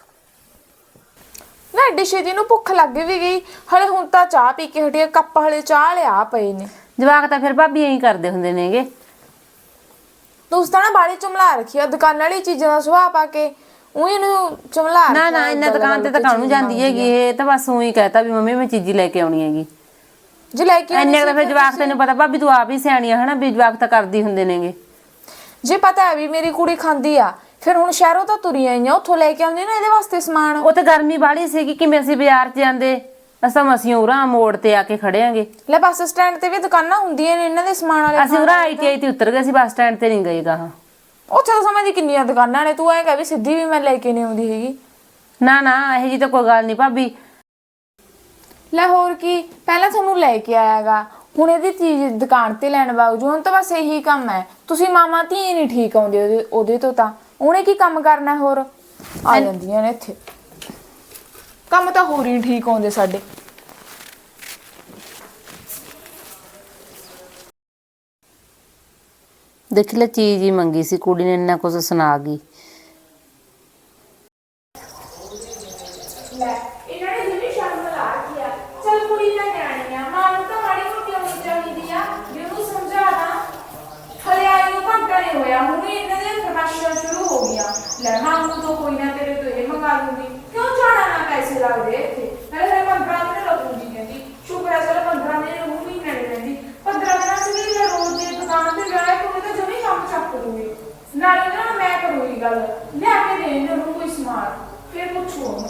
Speaker 3: ਨਾ ਐਡੀ ਛੇਤੀ ਨੂੰ ਭੁੱਖ ਲੱਗ ਵੀ ਗਈ, ਹਲੇ ਹੁਣ ਤਾਂ ਚਾਹ ਪੀ ਕੇ ਹਟੀ, ਕੱਪ ਹਲੇ ਚਾਹ ਲਿਆ ਪਏ ਨੇ।
Speaker 1: ਜਵਾਕ ਤਾਂ ਫਿਰ ਭਾਬੀ ਐਂ ਕਰਦੇ ਹੁੰਦੇ ਨੇਗੇ।
Speaker 3: ਤੁਸੀਂ ਤਾਂ ਨਾ ਬਾੜੀ ਚੁਮਲਾ ਰੱਖੀ ਆ ਦੁਕਾਨ ਵਾਲੀ ਚੀਜ਼ਾਂ ਦਾ ਸੁਭਾਅ ਪਾ ਕੇ, ਉਹੀ ਨੂੰ ਚੁਮਲਾ
Speaker 1: ਨਾ ਨਾ ਇੰਨਾ ਦੁਕਾਨ ਤੇ ਤਾਂ ਕਾਹਨੂੰ ਜਾਂਦੀ ਹੈਗੀ, ਇਹ ਤਾਂ ਬਸ ਉਹੀ ਕਹਤਾ ਵੀ ਮੰਮੀ ਮੈਂ ਚੀਜ਼ੀ ਲੈ ਕੇ ਆਉਣੀ ਹੈਗੀ।
Speaker 3: ਜੇ ਲੈ ਕੇ
Speaker 1: ਇੰਨੇ ਤਾਂ ਫਿਰ ਜਵਾਕ, ਤੈਨੂੰ ਪਤਾ ਭਾਬੀ ਤੂੰ ਆਪ ਹੀ ਸਿਆਣੀ ਆ ਹਨਾ, ਵੀ ਜਵਾਕ ਤਾਂ ਕਰਦੀ ਹੁੰਦੇ ਨੇਗੇ।
Speaker 3: ਜੇ ਪਤਾ ਹੈ ਵੀ ਮੇਰੀ ਕੁੜੀ ਖਾਂਦੀ ਆ, ਫਿਰ ਹੁਣ ਸ਼ਹਿਰੋਂ ਤਾਂ ਤੁਰੀ ਆਈਆਂ, ਉੱਥੋਂ ਲੈ ਕੇ ਆਉਂਦੀ ਨਾ ਇਹਦੇ ਵਾਸਤੇ ਸਮਾਨ।
Speaker 1: ਉਹ ਤੇ ਗਰਮੀ ਬਾਹਲੀ ਸੀਗੀ, ਕਿਵੇਂ ਅਸੀਂ ਬਾਜ਼ਾਰ 'ਚ ਜਾਂਦੇ, ਅਸਾਂ ਮਸੀਂ ਉਰਾਂ ਮੋੜ ਤੇ ਆ ਕੇ ਖੜੇ ਆਂਗੇ।
Speaker 3: ਲੈ ਬੱਸ ਸਟੈਂਡ ਤੇ ਵੀ ਦੁਕਾਨਾਂ ਹੁੰਦੀਆਂ ਨੇ ਇਹਨਾਂ ਦੇ ਸਮਾਨ ਵਾਲੇ।
Speaker 1: ਅਸੀਂ ਉਰਾਂ ਆਈ ਟੀ ਆਈ ਤੇ ਉਤਰ ਗਏ ਸੀ, ਬੱਸ ਸਟੈਂਡ ਤੇ ਨਹੀਂ ਗਏ ਗਾ।
Speaker 3: ਉੱਥੇ ਤਾਂ ਸਮਝ ਦੀ ਕਿੰਨੀਆਂ ਦੁਕਾਨਾਂ ਨੇ, ਤੂੰ ਐਂ ਕਹਿ ਵੀ ਸਿੱਧੀ ਵੀ ਮੈਂ ਲੈ ਕੇ ਨਹੀਂ ਆਉਂਦੀ ਹੈਗੀ।
Speaker 1: ਨਾ ਨਾ ਇਹੋ ਜੀ ਤਾਂ ਕੋਈ ਗੱਲ ਨਹੀਂ ਭਾਬੀ।
Speaker 3: ਲੈ ਹੋਰ ਕੀ, ਪਹਿਲਾਂ ਤੁਹਾਨੂੰ ਲੈ ਕੇ ਆਇਆਗਾ, ਹੁਣ ਇਹਦੀ ਚੀਜ਼ ਦੁਕਾਨ ਤੇ ਲੈਣ ਬਾਵਜੂ ਹੁਣ ਤਾਂ ਬਸ ਇਹੀ ਕੰਮ ਹੈ। ਤੁਸੀਂ ਮਾਮਾ ਧੀ ਨਹੀਂ ਠੀਕ ਆਉਂਦੇ ਉਹਦੇ ਉਹਦੇ ਤੋਂ, ਤਾਂ ਉਹਨੇ ਕੀ ਕੰਮ ਕਰਨਾ ਹੋਰ, ਆ ਜਾਂਦੀਆਂ ਨੇ ਇੱਥੇ। ਕੰਮ ਤਾਂ ਹੋਰ ਹੀ ਠੀਕ ਆਉਂਦੇ ਸਾਡੇ।
Speaker 1: ਦੇਖ ਲੈ ਚੀਜ਼ ਹੀ ਮੰਗੀ ਸੀ ਕੁੜੀ ਨੇ, ਇੰਨਾ ਕੁਝ ਸੁਣਾ ਗਈ।
Speaker 3: ਲੈ ਇਹਨਾਂ ਨੇ ਜਿਵੇਂ ਸ਼ਰਮ ਲਾ ਰੱਖਿਆ, ਚੱਲ ਕੁੜੀ ਤਾਂ ਨਿਆਣੀ ਆ, ਮਾਂ ਨੂੰ ਤਾਂ ਮਾੜੀ ਮੋਟੀ ਹੋਣੀ ਚਾਹੀਦੀ ਆ ਵੀ ਉਹਨੂੰ ਸਮਝਾਣਾ। ਹਲੇ ਆਈ ਨੂੰ ਘੰਟਾ ਨਹੀਂ ਹੋਇਆ, ਹੁਣ ਵੀ ਇਹਨਾਂ ਦੀਆਂ ਫਰਮਾਇਸ਼ਾਂ ਸ਼ੁਰੂ ਹੋ ਗਈਆਂ। ਲੈ ਮਾਂ ਨੂੰ ਤਾਂ ਕੋਈ ਨਾ ਤੇਰੇ ਤੋਂ ਇਹ ਮੰਗਾ ਦੂੰਗੀ, ਕਿਉਂ ਜਾਣਾ ਨਾ ਪੈਸੇ ਲੱਗਦੇ ਇੱਥੇ। ਨਾਲੇ ਹਲੇ ਪੰਦਰਾਂ ਦਿਨ ਲੱਗੂਗੀ ਕਹਿੰਦੀ, ਸ਼ੁਕਰ ਹੈ ਚਲ ਪੰਦਰਾਂ ਦਿਨ ਉਹ ਮਹੀਨੇ ਨਹੀਂ ਰਹਿੰਦੀ। ਪੰਦਰਾਂ ਦਿਨਾਂ ਚ ਵੀ ਮੈਂ ਰੋਜ਼ ਦੀ ਦੁਕਾਨ ਤੇ ਜਾਇਆ ਕਰੂੰਗੀ ਤਾਂ ਜਮੀ ਕੰਮ ਚੱਕ ਦੂੰਗੀ। ਨਾਲੇ ਨਾ ਮੈਂ ਕਰੂੰਗੀ ਗੱਲ, ਲਿਆ ਕੇ ਦੇਣ ਨੂੰ ਕੋਈ ਸਮਾਨ, ਫਿਰ ਪੁੱਛੋ ਉਹਨੂੰ।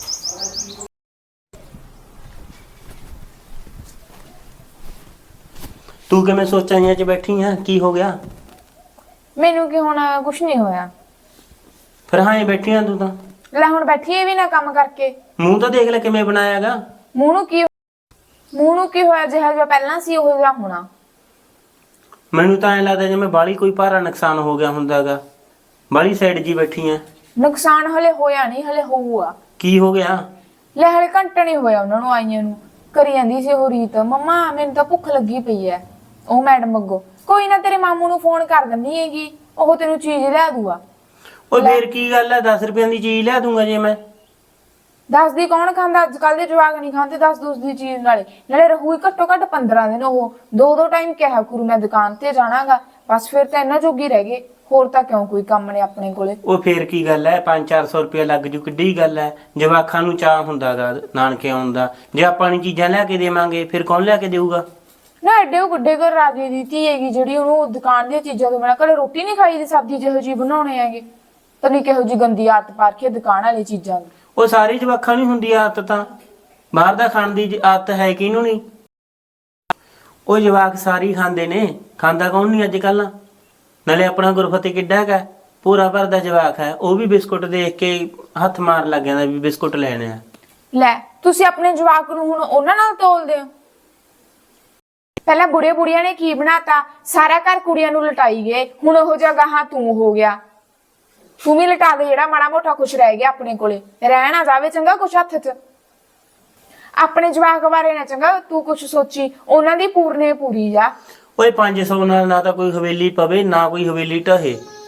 Speaker 2: ਤੂੰ ਕਿਵੇਂ ਸੋਚਾਂ 'ਚ ਬੈਠੀ ਆ, ਕੀ ਹੋ ਗਿਆ?
Speaker 3: ਮੈਨੂੰ ਕੀ ਹੋਣਾ, ਕੁਛ ਨਹੀਂ ਹੋਇਆ।
Speaker 2: ਫਿਰ ਹਾਂ ਇਹ ਬੈਠੀ ਆ ਤੂੰ ਤਾਂ।
Speaker 3: ਲੈ ਹੁਣ ਬੈਠੀਏ ਵੀ ਨਾ ਕੰਮ ਕਰਕੇ।
Speaker 2: ਮੂੰਹ ਤਾਂ ਦੇਖ ਲੈ ਕਿਵੇਂ ਬਣਾਇਆਗਾ।
Speaker 3: ਮੂੰਹ ਨੂੰ ਕੀ ਮੂੰਹ ਨੂੰ ਕੀ ਹੋਇਆ, ਜਿਹੜਾ ਜਿਹਾ ਪਹਿਲਾਂ ਸੀ ਉਹ ਜਿਹਾ ਹੋਣਾ।
Speaker 2: ਮੈਨੂੰ ਤਾਂ ਐਂ ਲੱਗਦਾ ਜਿਵੇਂ ਬਾਹਲੀ ਕੋਈ ਭਾਰਾ ਨੁਕਸਾਨ ਹੋ ਗਿਆ ਹੁੰਦਾਗਾ, ਬਾਹਲੀ ਸਾਈਡ ਜੀ ਬੈਠੀ ਆ।
Speaker 3: ਨੁਕਸਾਨ ਹਲੇ ਹੋਇਆ ਨਹੀਂ, ਹਲੇ ਹੋਊਗਾ।
Speaker 2: ਕੀ ਹੋ ਗਿਆ?
Speaker 3: ਲੈ ਹਲੇ ਘੰਟਾ ਨਹੀਂ ਹੋਇਆ ਉਹਨਾਂ ਨੂੰ ਆਈਆਂ ਨੂੰ, ਕਰੀ ਜਾਂਦੀ ਸੀ ਉਹ ਰੀਤ, ਮੰਮਾ ਮੈਨੂੰ ਤਾਂ ਭੁੱਖ ਲੱਗੀ ਪਈ ਐ। ਉਹ ਮੈਡਮ ਅੱਗੋਂ, ਕੋਈ ਨਾ ਤੇਰੇ ਮਾਮੂ ਨੂੰ ਫੋਨ ਕਰ ਦਿੰਦੀ ਹੈਗੀ, ਉਹ ਤੈਨੂੰ ਚੀਜ਼ ਲਿਆ ਦੂਗਾ।
Speaker 2: ਉਹ ਫੇਰ ਕੀ ਗੱਲ ਐ, ਦਸ ਰੁਪਏ ਦੀ ਚੀਜ਼ ਲਿਆ ਦੂੰਗਾ ਜੇ ਮੈਂ।
Speaker 3: ਦਸ ਦੀ ਕੌਣ ਖਾਂਦਾ, ਅੱਜ ਕੱਲ ਦੇ ਜਵਾਕ ਨਹੀਂ ਖਾਂਦੇ ਦਸ ਦਸ ਦੀ ਚੀਜ਼। ਨਾਲੇ ਨਾਲੇ ਰਹੂਗੀ ਘੱਟੋ ਘੱਟ ਪੰਦਰਾਂ ਦਿਨ, ਉਹ ਦੋ ਦੋ ਟਾਈਮ ਕਿਹਾ ਕਰੂ ਮੈਂ ਦੁਕਾਨ ਤੇ ਜਾਣਾਗਾ, ਬਸ ਫਿਰ ਤਾਂ ਇਹਨਾਂ ਜੋਗੀ ਰਹਿ ਗਏ, ਹੋਰ ਤਾਂ ਕਿਉਂ ਕੋਈ ਕੰਮ ਨੇ ਆਪਣੇ ਕੋਲੇ।
Speaker 2: ਉਹ ਫੇਰ ਕੀ ਗੱਲ ਐ, ਪੰਜ ਚਾਰ ਸੌ ਰੁਪਇਆ ਲੱਗ ਜੂ, ਕਿੱਡੀ ਗੱਲ ਐ। ਜਵਾਕਾਂ ਨੂੰ ਚਾਹ ਹੁੰਦਾਗਾ ਨਾਨਕੇ ਆਉਣ ਦਾ, ਜੇ ਆਪਾਂ ਨੂੰ ਚੀਜ਼ਾਂ ਲਿਆ ਕੇ ਦੇਵਾਂਗੇ ਫਿਰ ਕੌਣ ਲਿਆ ਕੇ ਦੇਊਗਾ?
Speaker 3: ਨਾ ਐਡੇ ਉਹ ਗੁੱਡੇ ਘਰ ਰਾਜੇ ਦੀ ਧੀ ਹੈਗੀ ਜਿਹੜੀ ਉਹਨੂੰ ਦੁਕਾਨ ਦੀਆਂ ਚੀਜ਼ਾਂ ਤੋਂ ਬਿਨਾਂ ਘਰੇ ਰੋਟੀ ਨਹੀਂ ਖਾਈ ਦੀ, ਸਬਜ਼ੀ ਜਿਹੋ ਜਿਹੀ ਬਣਾਉਣੇ ਹੈਗੇ, ਤਾਂ ਨਹੀਂ ਕਿਹੋ ਜਿਹੀ ਗੰਦੀ ਆਦਤ ਪਾ ਰੱਖੀ ਦੁਕਾਨ ਵਾਲੀ ਚੀਜ਼ਾਂ ਦੀ।
Speaker 2: ਉਹ ਸਾਰੀ ਜਵਾਕਾਂ ਨੂੰ ਹੁੰਦੀ ਆਦਤ, ਤਾਂ ਬਾਹਰ ਦਾ ਖਾਣ ਦੀ ਆਦਤ ਹੈ ਕਿਹਨੂੰ ਨਹੀਂ। ਉਹ ਜਵਾਕ ਸਾਰੀ ਖਾਂਦੇ ਨੇ, ਖਾਂਦਾ ਕੌਣ ਨਹੀਂ ਅੱਜ ਕੱਲ। ਨਾਲੇ ਆਪਣਾ ਗੁਰਫਤਿਹ ਕਿੱਡਾ ਹੈਗਾ, ਪੂਰਾ ਭਰਦਾ ਜਵਾਕ ਹੈ, ਉਹ ਵੀ ਬਿਸਕੁਟ ਦੇਖ ਕੇ ਹੱਥ ਮਾਰ ਲੱਗ ਜਾਂਦਾ ਵੀ ਬਿਸਕੁਟ ਲੈਣੇ ਆ।
Speaker 3: ਲੈ ਤੁਸੀਂ ਆਪਣੇ ਜਵਾਕ ਨੂੰ ਹੁਣ ਉਹਨਾਂ ਨਾਲ ਤੋਲਦੇ ਹੋ। ਪਹਿਲਾਂ ਬੁੜੇ ਬੁੜੀਆਂ ਨੇ ਕੀ ਬਣਾਤਾ, ਸਾਰਾ ਘਰ ਕੁੜੀਆਂ ਨੂੰ ਲਟਾਈ ਗਏ, ਹੁਣ ਉਹ ਜਗ੍ਹਾ ਹਾਂ ਤੂੰ ਹੋ ਗਿਆ। ਤੂੰ ਵੀ ਲਟਾ ਦੇ, ਜਿਹੜਾ ਮਾੜਾ ਮੋਟਾ ਕੁਛ ਰਹਿ ਗਿਆ ਆਪਣੇ ਕੋਲੇ, ਰਹਿ ਨਾ ਜਾਵੇ ਚੰਗਾ ਕੁਛ ਹੱਥ 'ਚ। ਆਪਣੇ ਜਵਾਕ ਬਾਰੇ ਨਾ ਚੰਗਾ ਤੂੰ ਕੁਛ ਸੋਚੀ, ਉਹਨਾਂ ਦੀ ਪੂਰਨੇ ਪੂਰੀ ਜਾ।
Speaker 2: ਓਏ ਪੰਜ ਸੌ ਨਾਲ ਨਾ ਤਾਂ ਕੋਈ ਹਵੇਲੀ ਪਵੇ ਨਾ ਕੋਈ ਹਵੇਲੀ ਢਹੇ,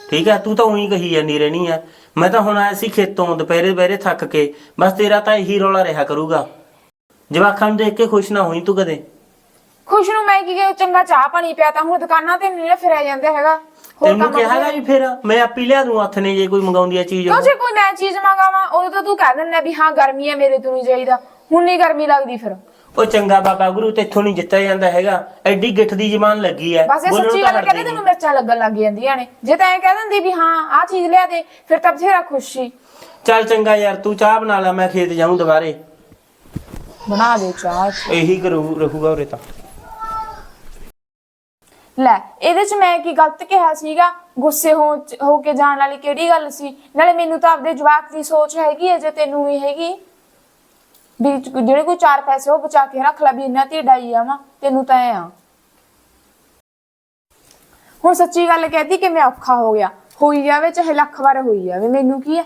Speaker 2: ਠੀਕ ਹੈ, ਤੂੰ ਤਾਂ ਉਹੀ ਕਹੀ ਜਾਂਦੀ ਰਹਿਣੀ ਆ। ਮੈਂ ਤਾਂ ਹੁਣ ਆਇਆ ਸੀ ਖੇਤੋਂ ਦੁਪਹਿਰੇ ਦੁਪਹਿਰੇ ਥੱਕ ਕੇ, ਬਸ ਤੇਰਾ ਤਾਂ ਇਹੀ ਰੌਲਾ ਰਿਹਾ ਕਰੂਗਾ। ਜਵਾਕਾਂ ਨੂੰ ਦੇਖ ਕੇ ਖੁਸ਼ ਨਾ ਹੋਈ ਤੂੰ ਕਦੇ।
Speaker 3: ਖੁਸ਼ ਨੂੰ ਮੈਂ ਕੀ ਕਿਹਾ, ਚੰਗਾ ਚਾਹ ਪਾਣੀ ਪਿਆ ਤਾਂ ਹੁਣ ਦੁਕਾਨਾਂ ਤੇ ਨਹੀਂ ਫਿਰਿਆ ਜਾਂਦਾ ਹੈਗਾ। ਹੋਰ
Speaker 2: ਤੈਨੂੰ
Speaker 3: ਕੰਮ
Speaker 2: ਕਿਹਾ ਹੈਗਾ ਵੀ ਫਿਰ ਮੈਂ ਆਪੀ ਲਿਆ ਦੂੰ ਹੱਥ ਨੇ ਜੇ ਕੋਈ ਮੰਗਾਉਂਦੀ ਆ ਚੀਜ਼।
Speaker 3: ਕਿਉਂ ਜੇ ਕੋਈ ਮੈਂ ਚੀਜ਼ ਮੰਗਾਵਾਂ ਉਦੋਂ ਤਾਂ ਤੂੰ ਕਹਿ ਦਿੰਦਾ ਵੀ ਹਾਂ ਗਰਮੀ ਹੈ ਮੇਰੇ ਤੋਂ ਨਹੀਂ ਚਾਹੀਦਾ, ਹੁਣ ਨਹੀਂ ਗਰਮੀ ਲੱਗਦੀ ਫਿਰ।
Speaker 2: ਉਹ ਚੰਗਾ ਬਾਬਾ ਗੁਰੂ ਤੇਥੋਂ ਨਹੀਂ ਜਿੱਤਿਆ ਜਾਂਦਾ ਹੈਗਾ, ਐਡੀ ਗਿੱਠ ਦੀ ਜ਼ਬਾਨ ਲੱਗੀ ਐ।
Speaker 3: ਬਸ ਇਹ ਸੱਚੀ ਗੱਲ ਕਹਿੰਦੇ ਤੈਨੂੰ ਮਿਰਚਾਂ ਲੱਗਣ ਲੱਗ ਜਾਂਦੀਆਂ ਨੇ। ਜੇ ਤਾਂ ਐ ਕਹਿ ਦਿੰਦੀ ਵੀ ਹਾਂ ਆਹ ਚੀਜ਼ ਲਿਆ ਦੇ ਫਿਰ ਤਾਂ ਬਥੇਰਾ ਖੁਸ਼ ਸੀ।
Speaker 2: ਚੱਲ ਚੰਗਾ ਯਾਰ, ਤੂੰ ਚਾਹ ਬਣਾ ਲੈ, ਮੈਂ ਖੇਤ ਜਾਊਂ ਦੁਬਾਰੇ।
Speaker 3: ਬਣਾ ਦੇ ਚਾਹ।
Speaker 2: ਇਹੀ ਕਰੂ ਰਹੂਗਾ ਉਰੇ ਤਾਂ।
Speaker 3: ਲੈ ਇਹਦੇ ਚ ਮੈਂ ਕੀ ਗਲਤ ਕਿਹਾ ਸੀਗਾ? ਗੁੱਸੇ ਹੋ ਹੋ ਕੇ ਜਾਣ ਵਾਲੀ ਕਿਹੜੀ ਗੱਲ ਸੀ? ਨਾਲੇ ਮੈਨੂੰ ਤਾਂ ਆਪਦੇ ਜਵਾਕ ਦੀ ਸੋਚ ਹੈਗੀ ਹੈ, ਜੇ ਤੈਨੂੰ ਵੀ ਹੈਗੀ ਵੀ ਜਿਹੜੇ ਕੋਈ ਚਾਰ ਪੈਸੇ ਉਹ ਬਚਾ ਕੇ ਰੱਖ ਲੈ ਵੀ ਇਹਨਾਂ ਤੇ ਡਾਈ ਆਵਾਂ, ਤੈਨੂੰ ਤਾਂ ਐ ਆ। ਹੁਣ ਸੱਚੀ ਗੱਲ ਕਹਿਤੀ ਕਿ ਮੈਂ ਔਖਾ ਹੋ ਗਿਆ, ਹੋਈ ਜਾਵੇ ਚਾਹੇ ਲੱਖ ਵਾਰ ਹੋਈ ਜਾਵੇ, ਮੈਨੂੰ ਕੀ ਹੈ।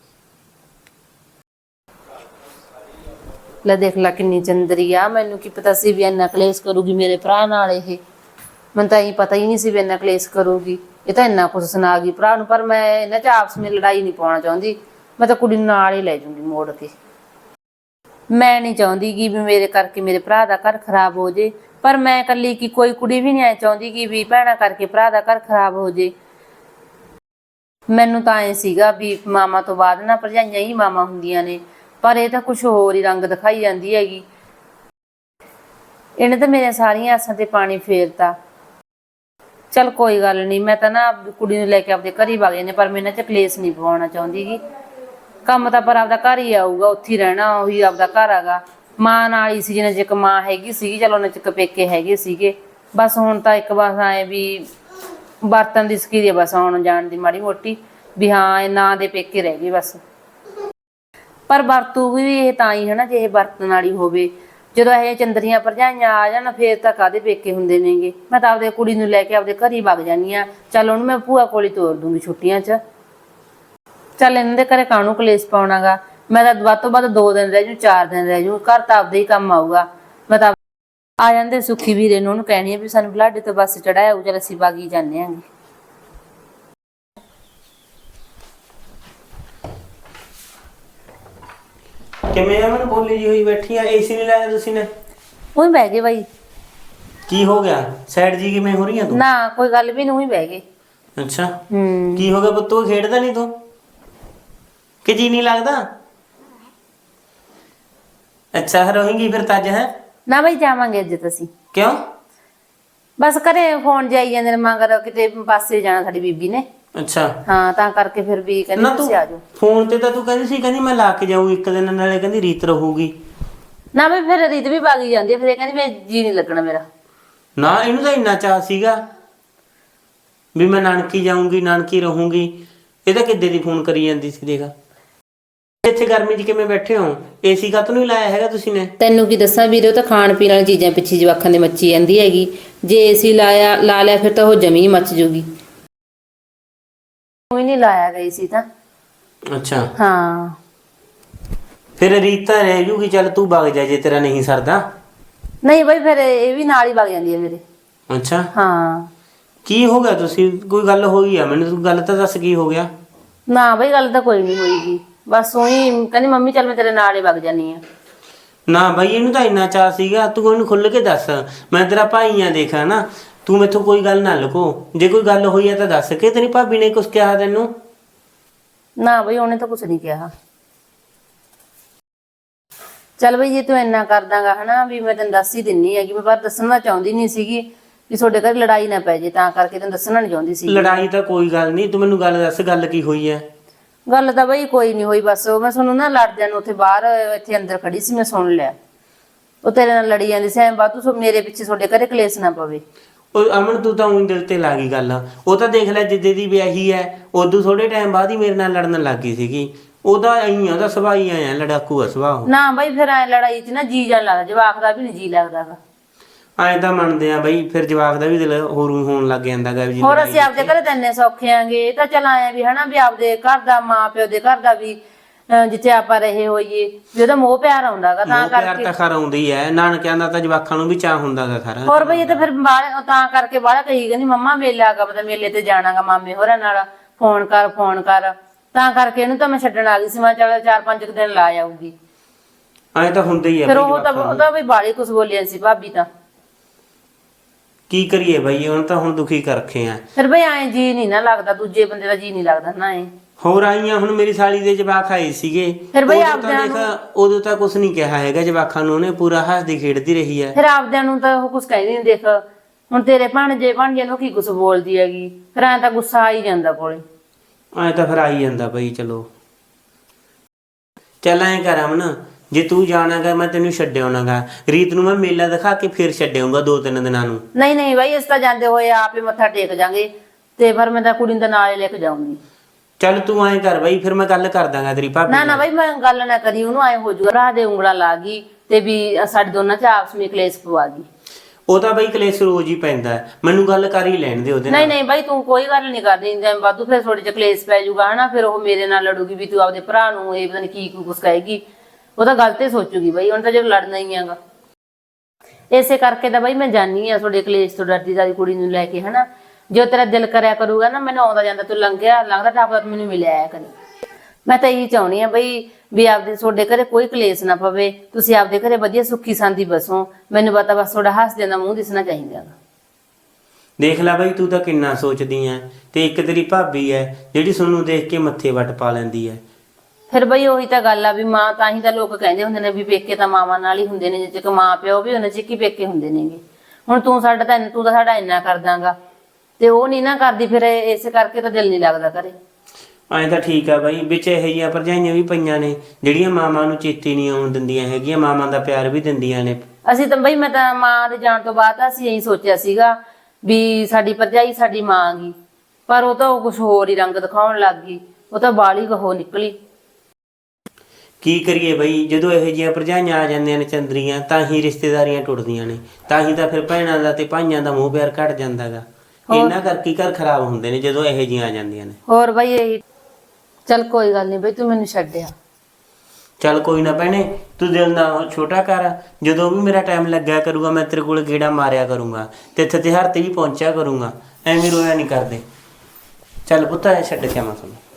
Speaker 1: ਲੈ ਦੇਖ ਲੈ ਕਿੰਨੀ ਚੰਦਰੀ ਆ, ਮੈਨੂੰ ਕੀ ਪਤਾ ਸੀ ਵੀ ਇੰਨਾ ਕਲੇਸ਼ ਕਰੂਗੀ ਮੇਰੇ ਭਰਾ ਨਾਲ। ਇਹ ਮੈਨੂੰ ਤਾਂ ਇਹ ਪਤਾ ਹੀ ਨਹੀਂ ਸੀ ਵੀ ਇੰਨਾ ਕਲੇਸ਼ ਕਰੂਗੀ। ਇਹ ਤਾਂ ਇੰਨਾ ਕੁਛ ਸੁਣਾ ਗਈ ਭਰਾ ਨੂੰ, ਪਰ ਮੈਂ ਇਹਨਾਂ ਚ ਆਪਸ ਵਿੱਚ ਲੜਾਈ ਨਹੀਂ ਪਾਉਣਾ ਚਾਹੁੰਦੀ। ਮੈਂ ਤਾਂ ਕੁੜੀ ਨੂੰ ਨਾਲ ਹੀ ਲੈ ਜੂੰਗੀ ਮੋੜ ਕੇ। ਮੈਂ ਨਹੀਂ ਚਾਹੁੰਦੀ ਕਿ ਵੀ ਮੇਰੇ ਕਰਕੇ ਮੇਰੇ ਭਰਾ ਦਾ ਘਰ ਖਰਾਬ ਹੋ ਜੇ, ਪਰ ਮੈਂ ਇਕੱਲੀ ਕੀ ਕੋਈ ਕੁੜੀ ਵੀ ਨਹੀਂ ਐ ਚਾਹੁੰਦੀ ਕਿ ਵੀ ਭੈਣਾਂ ਕਰਕੇ ਭਰਾ ਦਾ ਘਰ ਖਰਾਬ ਹੋ ਜੇ। ਮੈਨੂੰ ਤਾਂ ਐ ਸੀਗਾ ਵੀ ਮਾਮਾ ਤੋਂ ਬਾਅਦ ਨਾ ਭਰਜਾਈਆਂ ਹੀ ਮਾਮਾ ਹੁੰਦੀਆਂ ਨੇ, ਪਰ ਇਹ ਤਾਂ ਕੁਛ ਹੋਰ ਹੀ ਰੰਗ ਦਿਖਾਈ ਜਾਂਦੀ ਹੈਗੀ। ਇਹਨੇ ਤਾਂ ਮੇਰੀਆਂ ਸਾਰੀਆਂ ਆਸਾਂ ਤੇ ਪਾਣੀ ਫੇਰਤਾ। ਚੱਲ ਕੋਈ ਗੱਲ ਨਹੀਂ, ਮੈਂ ਤਾਂ ਨਾ ਕੁੜੀ ਨੂੰ ਲੈ ਕੇ ਆਪਦੇ ਘਰ ਹੀ ਵਗ ਜਾਂਦੇ, ਪਰ ਮੈਂ ਇਹਨਾਂ 'ਚ ਕਲੇਸ਼ ਨਹੀਂ ਪਵਾਉਣਾ ਚਾਹੁੰਦੀ ਗੀ। ਕੰਮ ਤਾਂ ਪਰ ਆਪਦਾ ਘਰ ਹੀ ਆਊਗਾ, ਉੱਥੇ ਹੀ ਰਹਿਣਾ, ਉਹੀ ਆਪਦਾ ਘਰ ਹੈਗਾ। ਮਾਂ ਨਾਲ ਹੀ ਸੀ ਜਿੰਨੇ ਚਿਰ ਮਾਂ ਹੈਗੀ ਸੀਗੀ, ਚਲ ਉਹਨਾਂ ਚਿਰ ਪੇਕੇ ਹੈਗੇ ਸੀਗੇ। ਬਸ ਹੁਣ ਤਾਂ ਇੱਕ ਬਸ ਆਏ ਵੀ ਬਰਤਨ ਦੀ ਸਕੀਰੀ ਆ, ਬਸ ਆਉਣ ਜਾਣ ਦੀ ਮਾੜੀ ਮੋਟੀ ਵੀ ਹਾਂ ਇਹ ਨਾਂ ਦੇ ਪੇਕੇ ਰਹਿ ਗਏ ਬਸ। ਪਰ ਵਰਤੂਗੀ ਵੀ ਇਹ ਤਾਂ ਹੀ ਹੈ ਨਾ ਜੇ ਇਹ ਵਰਤਣ ਵਾਲੀ ਹੋਵੇ। ਜਦੋਂ ਇਹ ਚੰਦਰੀਆਂ ਭਰਜਾਈਆਂ ਆ ਜਾਣ ਫੇਰ ਤਾਂ ਕਾਹਦੇ ਪੇਕੇ ਹੁੰਦੇ ਨੇਗੇ। ਮੈਂ ਤਾਂ ਆਪਦੇ ਕੁੜੀ ਨੂੰ ਲੈ ਕੇ ਆਪਦੇ ਘਰ ਹੀ ਵਗ ਜਾਂਦੀ ਹਾਂ। ਚੱਲ ਉਹਨੂੰ ਮੈਂ ਭੂਆ ਕੋਲ ਹੀ ਤੋਰ ਦੂੰਗੀ ਛੁੱਟੀਆਂ 'ਚ। ਚੱਲ ਇਹਨਾਂ ਦੇ ਘਰੇ ਕਾਹਨੂੰ ਕਲੇਸ਼ ਪਾਉਣਾਗਾ। ਮੈਂ ਤਾਂ ਵੱਧ ਤੋਂ ਵੱਧ ਦੋ ਦਿਨ ਰਹਿ ਜੂ, ਚਾਰ ਦਿਨ ਰਹਿ ਜੂ, ਘਰ ਤਾਂ ਆਪਦੇ ਹੀ ਕੰਮ ਆਊਗਾ। ਮੈਂ ਤਾਂ ਆ ਜਾਂਦੇ ਸੁੱਖੀ ਵੀਰੇ ਨੂੰ ਉਹਨੂੰ ਕਹਿਣੀ ਆ ਵੀ ਸਾਨੂੰ ਬਲਾਡੇ ਤੋਂ ਬੱਸ ਚੜਾਇਆ ਹੋਊ, ਚੱਲ ਅਸੀਂ ਵਗ ਹੀ ਜਾਂਦੇ ਆਂਗੇ।
Speaker 2: ਕਿਵੇਂ ਅਮਨ ਬੋਲੀ ਜੀ ਹੋਈ ਬੈਠੀ ਆ? ਏਸੀ ਨਹੀਂ ਲਾਇਆ ਤੁਸੀਂ ਨੇ?
Speaker 1: ਉਹੀ ਬਹਿ ਗਏ ਬਾਈ।
Speaker 2: ਕੀ ਹੋ ਗਿਆ? ਸਾਈਡ ਜੀ ਕਿਵੇਂ ਹੋ ਰਹੀ ਆ ਤੂੰ?
Speaker 1: ਨਾ ਕੋਈ ਗੱਲ ਵੀ ਨਹੀਂ, ਉਹੀ ਬਹਿ ਗਏ।
Speaker 2: ਅੱਛਾ,
Speaker 1: ਹੂੰ
Speaker 2: ਕੀ ਹੋ ਗਿਆ ਪੁੱਤ? ਤੂੰ ਖੇਡਦਾ ਨਹੀਂ ਤੂੰ ਕਿ ਜੀ ਨਹੀਂ ਲੱਗਦਾ? ਅੱਛਾ ਰਹੇਂਗੀ ਫਿਰ ਤਾਂ ਅੱਜ? ਹੈ
Speaker 1: ਨਾ ਬਾਈ ਜਾਵਾਂਗੇ ਅੱਜ ਤਾਂ ਅਸੀਂ।
Speaker 2: ਕਿਉਂ?
Speaker 1: ਬਸ ਘਰੇ ਫੋਨ ਜਾਈ ਜਾਂਦੇ ਨੇ ਮਗਰ, ਕਿਤੇ ਪਾਸੇ ਜਾਣਾ ਸਾਡੀ ਬੀਬੀ ਨੇ।
Speaker 2: ਅੱਛਾ
Speaker 1: ਹਾਂ ਤਾਂ ਕਰਕੇ ਫਿਰ ਵੀ ਕਹਿੰਦੀ
Speaker 2: ਨਾ
Speaker 1: ਤੁਸੀਂ ਆ ਜਾਓ।
Speaker 2: ਫੋਨ ਤੇ ਤਾਂ ਤੂੰ ਕਹਿੰਦੀ ਸੀ ਕਹਿੰਦੀ ਮੈਂ ਲਾ ਕੇ ਜਾਊਂ ਇੱਕ ਦਿਨ, ਨਾਲੇ ਕਹਿੰਦੀ ਰੀਤ ਰਹੂਗੀ।
Speaker 1: ਨਾ ਬਈ ਫਿਰ ਰੀਤ ਵੀ ਵਗ ਹੀ ਜਾਂਦੀ ਹੈ, ਫਿਰ ਇਹ ਕਹਿੰਦੀ ਮੈਂ ਜੀ ਨਹੀਂ ਲੱਗਣਾ ਮੇਰਾ।
Speaker 2: ਨਾ ਇਹਨੂੰ ਤਾਂ ਇੰਨਾ ਚਾਅ ਸੀਗਾ ਵੀ ਮੈਂ ਨਾਨਕੀ ਜਾਊਂਗੀ, ਨਾਨਕੀ ਰਹੂੰਗੀ। ਇਹ ਤਾਂ ਕਿੱਦੇ ਦੀ ਫੋਨ ਕਰੀ ਜਾਂਦੀ ਸੀ। ਦੇਖ ਇੱਥੇ ਗਰਮੀ 'ਚ ਕਿਵੇਂ ਬੈਠੇ ਹੋ? ਏਸੀ ਕਾਹਤੋਂ ਨਹੀਂ ਲਾਇਆ ਹੈਗਾ ਤੁਸੀਂ ਨੇ?
Speaker 1: ਤੈਨੂੰ ਕੀ ਦੱਸਾਂ ਵੀਰੇ, ਉਹ ਤਾਂ ਖਾਣ ਪੀਣ ਵਾਲੀ ਚੀਜ਼ਾਂ ਪਿੱਛੇ ਜਵਾਕਾਂ ਦੇ ਮੱਚੀ ਜਾਂਦੀ ਹੈਗੀ। ਜੇ ਏਸੀ ਲਾਇਆ ਲਾ ਲਿਆ ਫਿਰ ਤਾਂ ਉਹ ਜਮੀ ਮੱਚ ਜੂਗੀ। ਕੋਈ ਨਹੀਂ ਲਾਇਆ ਗਈ ਸੀ ਤਾਂ।
Speaker 2: ਅੱਛਾ
Speaker 1: ਹਾਂ
Speaker 2: ਫਿਰ ਰੀਤ ਤਾਂ ਰਹਿ ਜੂਗੀ। ਚੱਲ ਤੂੰ ਵਗ ਜਾ ਜੇ ਤੇਰਾ ਨਹੀਂ ਸਰਦਾ।
Speaker 1: ਨਹੀਂ ਬਈ ਫਿਰ ਇਹ ਵੀ ਨਾਲ ਹੀ ਵਗ ਜਾਂਦੀ ਹੈ ਮੇਰੇ।
Speaker 2: ਅੱਛਾ
Speaker 1: ਹਾਂ
Speaker 2: ਕੀ ਹੋ ਗਿਆ? ਤੁਸੀਂ ਕੋਈ ਗੱਲ ਹੋਈ ਆ? ਮੈਨੂੰ ਤੂੰ ਗੱਲ ਤਾਂ ਦੱਸ ਕੀ ਹੋ ਗਿਆ।
Speaker 1: ਨਾ ਬਈ ਗੱਲ ਤਾਂ ਕੋਈ ਨਹੀਂ ਹੋਈਗੀ, ਬਸ ਉਹੀ ਕਹਿੰਦੀ ਮੰਮੀ ਚੱਲ ਮੈਂ ਤੇਰੇ ਨਾਲ ਹੀ ਵਗ ਜਾਨੀ ਆ।
Speaker 2: ਨਾ ਬਾਈ ਇਹਨੂੰ ਤਾਂ ਇੰਨਾ ਚਾਅ ਸੀਗਾ, ਤੂੰ ਉਹਨੂੰ ਖੁੱਲ ਕੇ ਦੱਸ। ਮੈਂ ਤੇਰਾ ਭਾਈ ਆ, ਦੇਖਾ ਨਾ ਤੂੰ ਮੈਥੋਂ ਕੋਈ ਗੱਲ ਨਾ ਲੁਕੋ। ਜੇ ਕੋਈ ਗੱਲ ਹੋਈ ਆ ਤਾਂ ਦੱਸ। ਕੇ ਤੇਰੀ ਭਾਬੀ ਨੇ ਕੁਝ ਕਿਹਾ ਤੈਨੂੰ?
Speaker 1: ਨਾ ਬਈ ਉਹਨੇ ਤਾਂ ਕੁਛ ਨਹੀਂ ਕਿਹਾ। ਚੱਲ ਬਈ ਜੇ ਤੂੰ ਇੰਨਾ ਕਰਦਾਗਾ ਹਨਾ ਵੀ ਮੈਂ ਤੈਨੂੰ ਦੱਸ ਹੀ ਦਿੰਨੀ ਹੈਗੀ, ਮੈਂ ਪਰ ਦੱਸਣਾ ਚਾਹੁੰਦੀ ਨਹੀਂ ਸੀਗੀ ਵੀ ਤੁਹਾਡੇ ਘਰ ਲੜਾਈ ਨਾ ਪੈ ਜੇ, ਤਾਂ ਕਰਕੇ ਤੈਨੂੰ ਦੱਸਣਾ ਨਹੀਂ ਚਾਹੁੰਦੀ ਸੀ।
Speaker 2: ਲੜਾਈ ਤਾਂ ਕੋਈ ਗੱਲ ਨਹੀਂ, ਤੂੰ ਮੈਨੂੰ ਗੱਲ ਦੱਸ ਗੱਲ ਕੀ ਹੋਈ ਹੈ?
Speaker 1: ਗੱਲ ਤਾਂ ਬਈ ਕੋਈ ਨਹੀਂ ਹੋਈ, ਬਸ ਮੈਂ ਤੁਹਾਨੂੰ ਨਾ ਲੜਦਿਆਂ ਨੂੰ ਉੱਥੇ ਬਾਹਰ ਇੱਥੇ ਅੰਦਰ ਖੜੀ ਸੀ, ਮੈਂ ਸੁਣ ਲਿਆ ਉਹ ਤੇਰੇ ਨਾਲ ਲੜੀ ਜਾਂਦੀ ਸੀ। ਐਂ ਬਾਤ ਤੂੰ ਮੇਰੇ ਪਿੱਛੇ ਤੁਹਾਡੇ ਘਰੇ ਕਲੇਸ਼ ਨਾ ਪਵੇ।
Speaker 2: ਉਹ ਅਮਨ ਤੂੰ ਤਾਂ ਉਹੀ ਦਿਲ ਤੇ ਲਾ ਗਈ ਗੱਲ। ਉਹ ਤਾਂ ਦੇਖ ਲੈ ਜਿੱਦੇ ਦੀ ਵਿਆਹੀ ਹੈ ਉਦੋਂ ਥੋੜੇ ਟਾਈਮ ਬਾਅਦ ਹੀ ਮੇਰੇ ਨਾਲ ਲੜਨ ਲੱਗ ਗਈ ਸੀਗੀ। ਉਹਦਾ ਐਂ ਉਹਦਾ ਸੁਭਾਅ ਹੀ ਆਇਆ, ਲੜਾਕੂ ਆ ਸੁਭਾਅ।
Speaker 1: ਨਾ ਬਈ ਫਿਰ ਐ ਲੜਾਈ 'ਚ ਨਾ ਜੀ ਜਾਣ ਲੱਗਦਾ, ਜਵਾਕ ਦਾ ਵੀ ਨਹੀਂ ਜੀ ਲੱਗਦਾ ਗਾ।
Speaker 2: ਐਂ ਤਾਂ ਮੰਨਦੇ ਆ ਬਈ, ਫਿਰ ਜਵਾਕ ਦਾ ਵੀ ਦਿਲ ਹੋਰ ਹੋਣ ਲੱਗ ਜਾਂਦਾ ਗਾ।
Speaker 1: ਹੋਰ ਅਸੀਂ ਆਪਦੇ ਘਰੇ ਤਾਂ ਇੰਨੇ ਸੌਖੇ ਆਂਗੇ, ਇਹ ਤਾਂ ਚੱਲ ਆਏ ਵੀ ਹਨਾ ਵੀ ਆਪਦੇ ਘਰ ਦਾ ਮਾਂ ਪਿਓ ਦੇ ਘਰ ਦਾ ਵੀ ਜਿੱਥੇ ਆਪਾਂ ਰਹੇ ਹੋਈਏ ਵੀ ਉਹਦਾ ਮੋਹ ਪਿਆਰ ਆਉਂਦਾਗਾ, ਤਾਂ ਕਰਕੇ
Speaker 2: ਤਾਂ ਖਰ ਆਉਂਦੀ ਹੈ। ਨਾਨਕਿਆਂ ਦਾ ਤਾਂ ਜਵਾਕਾਂ ਨੂੰ ਵੀ ਚਾਹ ਹੁੰਦਾਗਾ ਖਰ।
Speaker 1: ਹੋਰ ਬਈ ਇਹ ਤਾਂ ਫਿਰ ਬਾਹਰ ਤਾਂ ਕਰਕੇ ਬਾਹਲਾ ਕਹੀ ਕਹਿੰਦੀ ਮੰਮਾ ਮੇਲਾ ਆਗਾ, ਪਤਾ ਮੇਲੇ ਤੇ ਜਾਣਾਗਾ ਮਾਮੇ ਹੋਰਾਂ ਨਾਲ, ਫੋਨ ਕਰ ਫੋਨ ਕਰ, ਤਾਂ ਕਰਕੇ ਇਹਨੂੰ ਤਾਂ ਮੈਂ ਛੱਡਣ ਆ ਗਈ ਸੀ। ਮੈਂ ਚੱਲ ਚਾਰ ਪੰਜ ਕੁ ਦਿਨ ਲਾ ਆਊਗੀ।
Speaker 2: ਐਂ ਤਾਂ ਹੁੰਦਾ ਹੀ ਆ
Speaker 1: ਫਿਰ
Speaker 2: ਬਈ
Speaker 1: ਉਹ ਤਾਂ
Speaker 2: ਜਵਾਕਾਂ ਨੂੰ।
Speaker 1: ਉਹਦਾ ਵੀ ਬਾਲੀ ਕੁਛ ਬੋਲਿਆ ਸੀ ਭਾਬੀ ਤਾਂ।
Speaker 2: ਕੀ ਕਰੀਏ ਬਈ, ਹੁਣ ਤਾਂ ਹੁਣ ਦੁਖੀ ਕਰ ਰੱਖੇ ਆ।
Speaker 1: ਫਿਰ ਬਈ ਐਂ ਜੀ ਨਹੀਂ ਨਾ ਲੱਗਦਾ, ਦੂਜੇ ਬੰਦੇ ਦਾ ਜੀ ਨਹੀਂ ਲੱਗਦਾ ਨਾ ਐ।
Speaker 2: ਹੋਰ ਆਈਆਂ ਹੁਣ ਮੇਰੀ ਸਾਲੀ ਦੇ ਜਵਾਕ ਆਏ ਸੀਗੇ,
Speaker 1: ਫਿਰ ਬਈ
Speaker 2: ਉਦੋਂ ਤਾਂ
Speaker 1: ਆਪਦਿਆਂ
Speaker 2: ਦੇਖ ਉਦੋਂ ਤਾਂ ਕੁਝ ਨਹੀਂ ਕਿਹਾ ਹੈਗਾ ਜਵਾਕਾਂ ਨੂੰ, ਉਹਨੇ ਪੂਰਾ ਹੱਸਦੀ ਖੇਡਦੀ ਰਹੀ ਹੈ।
Speaker 1: ਫਿਰ ਆਪਦਿਆਂ ਨੂੰ ਤਾਂ ਉਹ ਕੁਛ ਕਹਿੰਦੀ ਨਹੀਂ। ਦੇਖ ਹੁਣ ਤੇਰੇ ਭਾਣਜੇ ਭਾਣਜੇ ਨੂੰ ਕੀ ਕੁਛ ਬੋਲਦੀ ਹੈਗੀ, ਫਿਰ ਐਂ ਤਾਂ ਗੁੱਸਾ ਆ ਹੀ ਜਾਂਦਾ ਕੋਲੇ।
Speaker 2: ਐਂ ਤਾਂ ਫਿਰ ਆਈ ਜਾਂਦਾ ਬਈ। ਚਲੋ ਚੱਲ ਐਂ ਕਰ ਅਮਨ, ਜੇ ਤੂੰ ਜਾਣਾਗਾ ਮੈਂ ਤੈਨੂੰ ਛੱਡਿਆਉਣਾਗਾ, ਰੀਤ ਨੂੰ ਮੈਂ ਮੇਲਾ ਦਿਖਾ ਕੇ ਫਿਰ ਛੱਡਿਆਉਂਗਾ ਦੋ ਤਿੰਨ ਦਿਨਾਂ ਨੂੰ।
Speaker 1: ਨਹੀਂ ਨਹੀਂ ਬਾਈ, ਇਸ ਤਾਂ ਜਾਂਦੇ ਹੋਏ ਆਪ ਹੀ ਮੱਥਾ ਟੇਕ ਜਾਾਂਗੇ, ਤੇ ਫਿਰ ਮੈਂ ਤਾਂ ਕੁੜੀ ਨੂੰ ਤਾਂ ਨਾਲ ਹੀ ਲੈ ਕੇ ਜਾਊਂਗੀ।
Speaker 2: ਚੱਲ ਤੂੰ ਐਂ ਕਰ ਬਈ, ਫਿਰ ਮੈਂ ਗੱਲ ਕਰ ਦਾਂਗਾ ਤੇਰੀ ਭਾਬੀ
Speaker 1: ਨਾ ਨਾ
Speaker 2: ਨਾਲ।
Speaker 1: ਬਾਈ ਮੈਂ ਗੱਲ ਨਾ ਕਰੀ, ਉਹਨੂੰ ਐ ਹੋ ਜੂਗਾ ਰਾਹ ਦੇ ਉਂਗਲਾਂ ਲਾ ਗਈ ਤੇ ਵੀ ਸਾਡੇ ਦੋਨਾਂ ਚ ਆਪਸ ਵਿੱਚ ਕਲੇਸ਼ ਪਵਾ ਗਈ।
Speaker 2: ਉਹ ਤਾਂ ਬਈ ਕਲੇਸ਼ ਰੋਜ਼ ਹੀ ਪੈਂਦਾ ਹੈ, ਮੈਨੂੰ ਗੱਲ ਕਰ ਹੀ ਲੈਣ ਦੇ ਉਹਦੇ ਨਾਲ।
Speaker 1: ਨਹੀਂ ਨਹੀਂ ਬਾਈ ਤੂੰ ਕੋਈ ਗੱਲ ਨਹੀਂ ਕਰਦੀ, ਜਿਵੇਂ ਵਾਧੂ ਫਿਰ ਥੋੜੇ ਜਿਹਾ ਕਲੇਸ਼ ਪੈ ਜਾਊਗਾ ਹਨਾ, ਫਿਰ ਉਹ ਮੇਰੇ ਨਾਲ ਲੜੂਗੀ ਵੀ ਤੂੰ ਆਪਦੇ ਭਰਾ ਨੂੰ ਇਹ ਪਤਾ ਨਹੀਂ ਕੀ ਕੁਛ ਕਹੇਗੀ। ਉਹ ਤਾਂ ਗੱਲ ਤੇ ਸੋਚੂਗੀ ਬਾਈ, ਹੁਣ ਤਾਂ ਜਦੋਂ ਲੜਨਾ ਹੀ ਹੈਗਾ। ਇਸੇ ਕਰਕੇ ਤਾਂ ਬਾਈ ਮੈਂ ਜਾਨੀ ਆ ਤੁਹਾਡੇ ਕਲੇਸ਼ ਤੋਂ ਡਰਦੀ ਸਾਡੀ ਕੁੜੀ ਨੂੰ ਲੈ ਕੇ ਹਨਾ। ਜੋ ਤੇਰਾ ਦਿਲ ਕਰਿਆ ਕਰੂਗਾ ਨਾ, ਮੈਨੂੰ ਆਉਂਦਾ ਜਾਂਦਾ ਤੂੰ ਲੰਘਿਆ ਲੰਘਦਾ ਟਾਪਦਾ ਮੈਨੂੰ ਮਿਲਿਆ ਆਇਆ ਕਰੀ। ਮੈਂ ਤਾਂ ਇਹੀ ਚਾਹੁੰਦੀ ਆ ਬਈ ਵੀ ਆਪਦੇ ਤੁਹਾਡੇ ਘਰੇ ਕੋਈ ਕਲੇਸ਼ ਨਾ ਪਵੇ, ਤੁਸੀਂ ਆਪਦੇ ਘਰੇ ਵਧੀਆ ਸੁੱਖੀ ਸਾਂਦੀ ਬਸੋ। ਮੈਨੂੰ ਪਤਾ ਬਸ ਤੁਹਾਡਾ ਹੱਸਦਿਆਂ ਦਾ ਮੂੰਹ ਦਿਸਣਾ ਚਾਹੀਦਾ।
Speaker 2: ਦੇਖ ਲੈ ਬਈ, ਤੂੰ ਤਾਂ ਕਿੰਨਾ ਸੋਚਦੀ ਐ, ਤੇ ਇੱਕ ਤੇਰੀ ਭਾਬੀ ਐ ਜਿਹੜੀ ਤੁਹਾਨੂੰ ਦੇਖ ਕੇ ਮੱਥੇ ਵੱਟ ਪਾ ਲੈਂਦੀ ਐ।
Speaker 1: ਫਿਰ ਬਈ ਉਹੀ ਤਾਂ ਗੱਲ ਆ ਵੀ ਮਾਂ, ਤਾਂ ਹੀ ਤਾਂ ਲੋਕ ਕਹਿੰਦੇ ਹੁੰਦੇ ਨੇ ਵੀ ਪੇਕੇ ਤਾਂ ਮਾਵਾਂ ਨਾਲ ਹੀ ਹੁੰਦੇ ਨੇ, ਜਿੱਥੇ ਕਿ ਮਾਂ ਪਿਓ ਵੀ ਉਹਨਾਂ ਚ ਕੀ ਪੇਕੇ ਹੁੰਦੇ ਨੇਗੇ। ਹੁਣ ਤੂੰ ਸਾਡਾ ਤਾਂ ਤੂੰ ਤਾਂ ਸਾਡਾ ਇੰਨਾ ਕਰ ਦਾਂਗਾ ਤੇ ਉਹ ਨਹੀਂ ਨਾ ਕਰਦੀ, ਫਿਰ ਇਸੇ ਕਰਕੇ ਤਾਂ ਦਿਲ ਨਹੀਂ ਲੱਗਦਾ ਘਰੇ।
Speaker 2: ਐਂ ਤਾਂ ਠੀਕ ਆ ਬਾਈ, ਵਿੱਚ ਇਹੋ ਜਿਹੀਆਂ ਭਰਜਾਈਆਂ ਵੀ ਪਈਆਂ ਨੇ ਜਿਹੜੀਆਂ ਮਾਵਾਂ ਨੂੰ ਚੇਤੇ ਨਹੀਂ ਆਉਣ ਦਿੰਦੀਆਂ ਹੈਗੀਆਂ, ਮਾਵਾਂ ਦਾ ਪਿਆਰ ਵੀ ਦਿੰਦੀਆਂ ਨੇ।
Speaker 1: ਅਸੀਂ ਤਾਂ ਬਈ ਮੈਂ ਤਾਂ ਮਾਂ ਦੇ ਜਾਣ ਤੋਂ ਬਾਅਦ ਅਸੀਂ ਇਹੀ ਸੋਚਿਆ ਸੀਗਾ ਵੀ ਸਾਡੀ ਭਰਜਾਈ ਸਾਡੀ ਮਾਂ ਗੀ, ਪਰ ਉਹ ਤਾਂ ਉਹ ਕੁਛ ਹੋਰ ਹੀ ਰੰਗ ਦਿਖਾਉਣ ਲੱਗ ਗਈ। ਉਹ ਤਾਂ ਬਾਲੀ ਕਹੋ ਨਿਕਲੀ।
Speaker 2: ਕੀ ਕਰੀਏ ਬਈ, ਜਦੋਂ ਇਹੋ ਜਿਹੀਆਂ ਭਰਜਾਈਆਂ ਆ ਜਾਂਦੀਆਂ ਨੇ ਚੰਦਰੀਆਂ, ਤਾਂ ਹੀ ਰਿਸ਼ਤੇਦਾਰੀਆਂ ਟੁੱਟਦੀਆਂ ਨੇ, ਤਾਂ ਹੀ ਤਾਂ ਫਿਰ ਭੈਣਾਂ ਦਾ ਤੇ ਭਾਈਆਂ ਦਾ ਮੋਹ ਪਿਆਰ ਘਟ ਜਾਂਦਾ ਗਾ। ਇਹਨਾਂ ਕਰਕੇ ਘਰ ਖਰਾਬ ਹੁੰਦੇ ਨੇ ਜਦੋਂ ਇਹੋ ਜਿਹੀਆਂ ਆ ਜਾਂਦੀਆਂ ਨੇ।
Speaker 1: ਹੋਰ ਬਈ ਇਹੀ। ਚੱਲ ਕੋਈ ਗੱਲ ਨਹੀਂ ਬਈ, ਤੂੰ ਮੈਨੂੰ ਛੱਡਿਆ।
Speaker 2: ਚੱਲ ਕੋਈ ਨਾ ਭੈਣੇ, ਤੂੰ ਦਿਲ ਨਾ ਛੋਟਾ ਕਰ, ਜਦੋਂ ਵੀ ਮੇਰਾ ਟਾਈਮ ਲੱਗਿਆ ਕਰੂਗਾ ਮੈਂ ਤੇਰੇ ਕੋਲ ਗੇੜਾ ਮਾਰਿਆ ਕਰੂੰਗਾ, ਤੇ ਇੱਥੇ ਤਿਉਹਾਰ ਤੇ ਵੀ ਪਹੁੰਚਿਆ ਕਰੂੰਗਾ, ਐਵੇਂ ਰੋਇਆ ਨਹੀਂ ਕਰਦੇ। ਚੱਲ ਪੁੱਤ ਐ ਛੱਡ ਕੇ ਆਵਾਂ ਤੁਹਾਨੂੰ।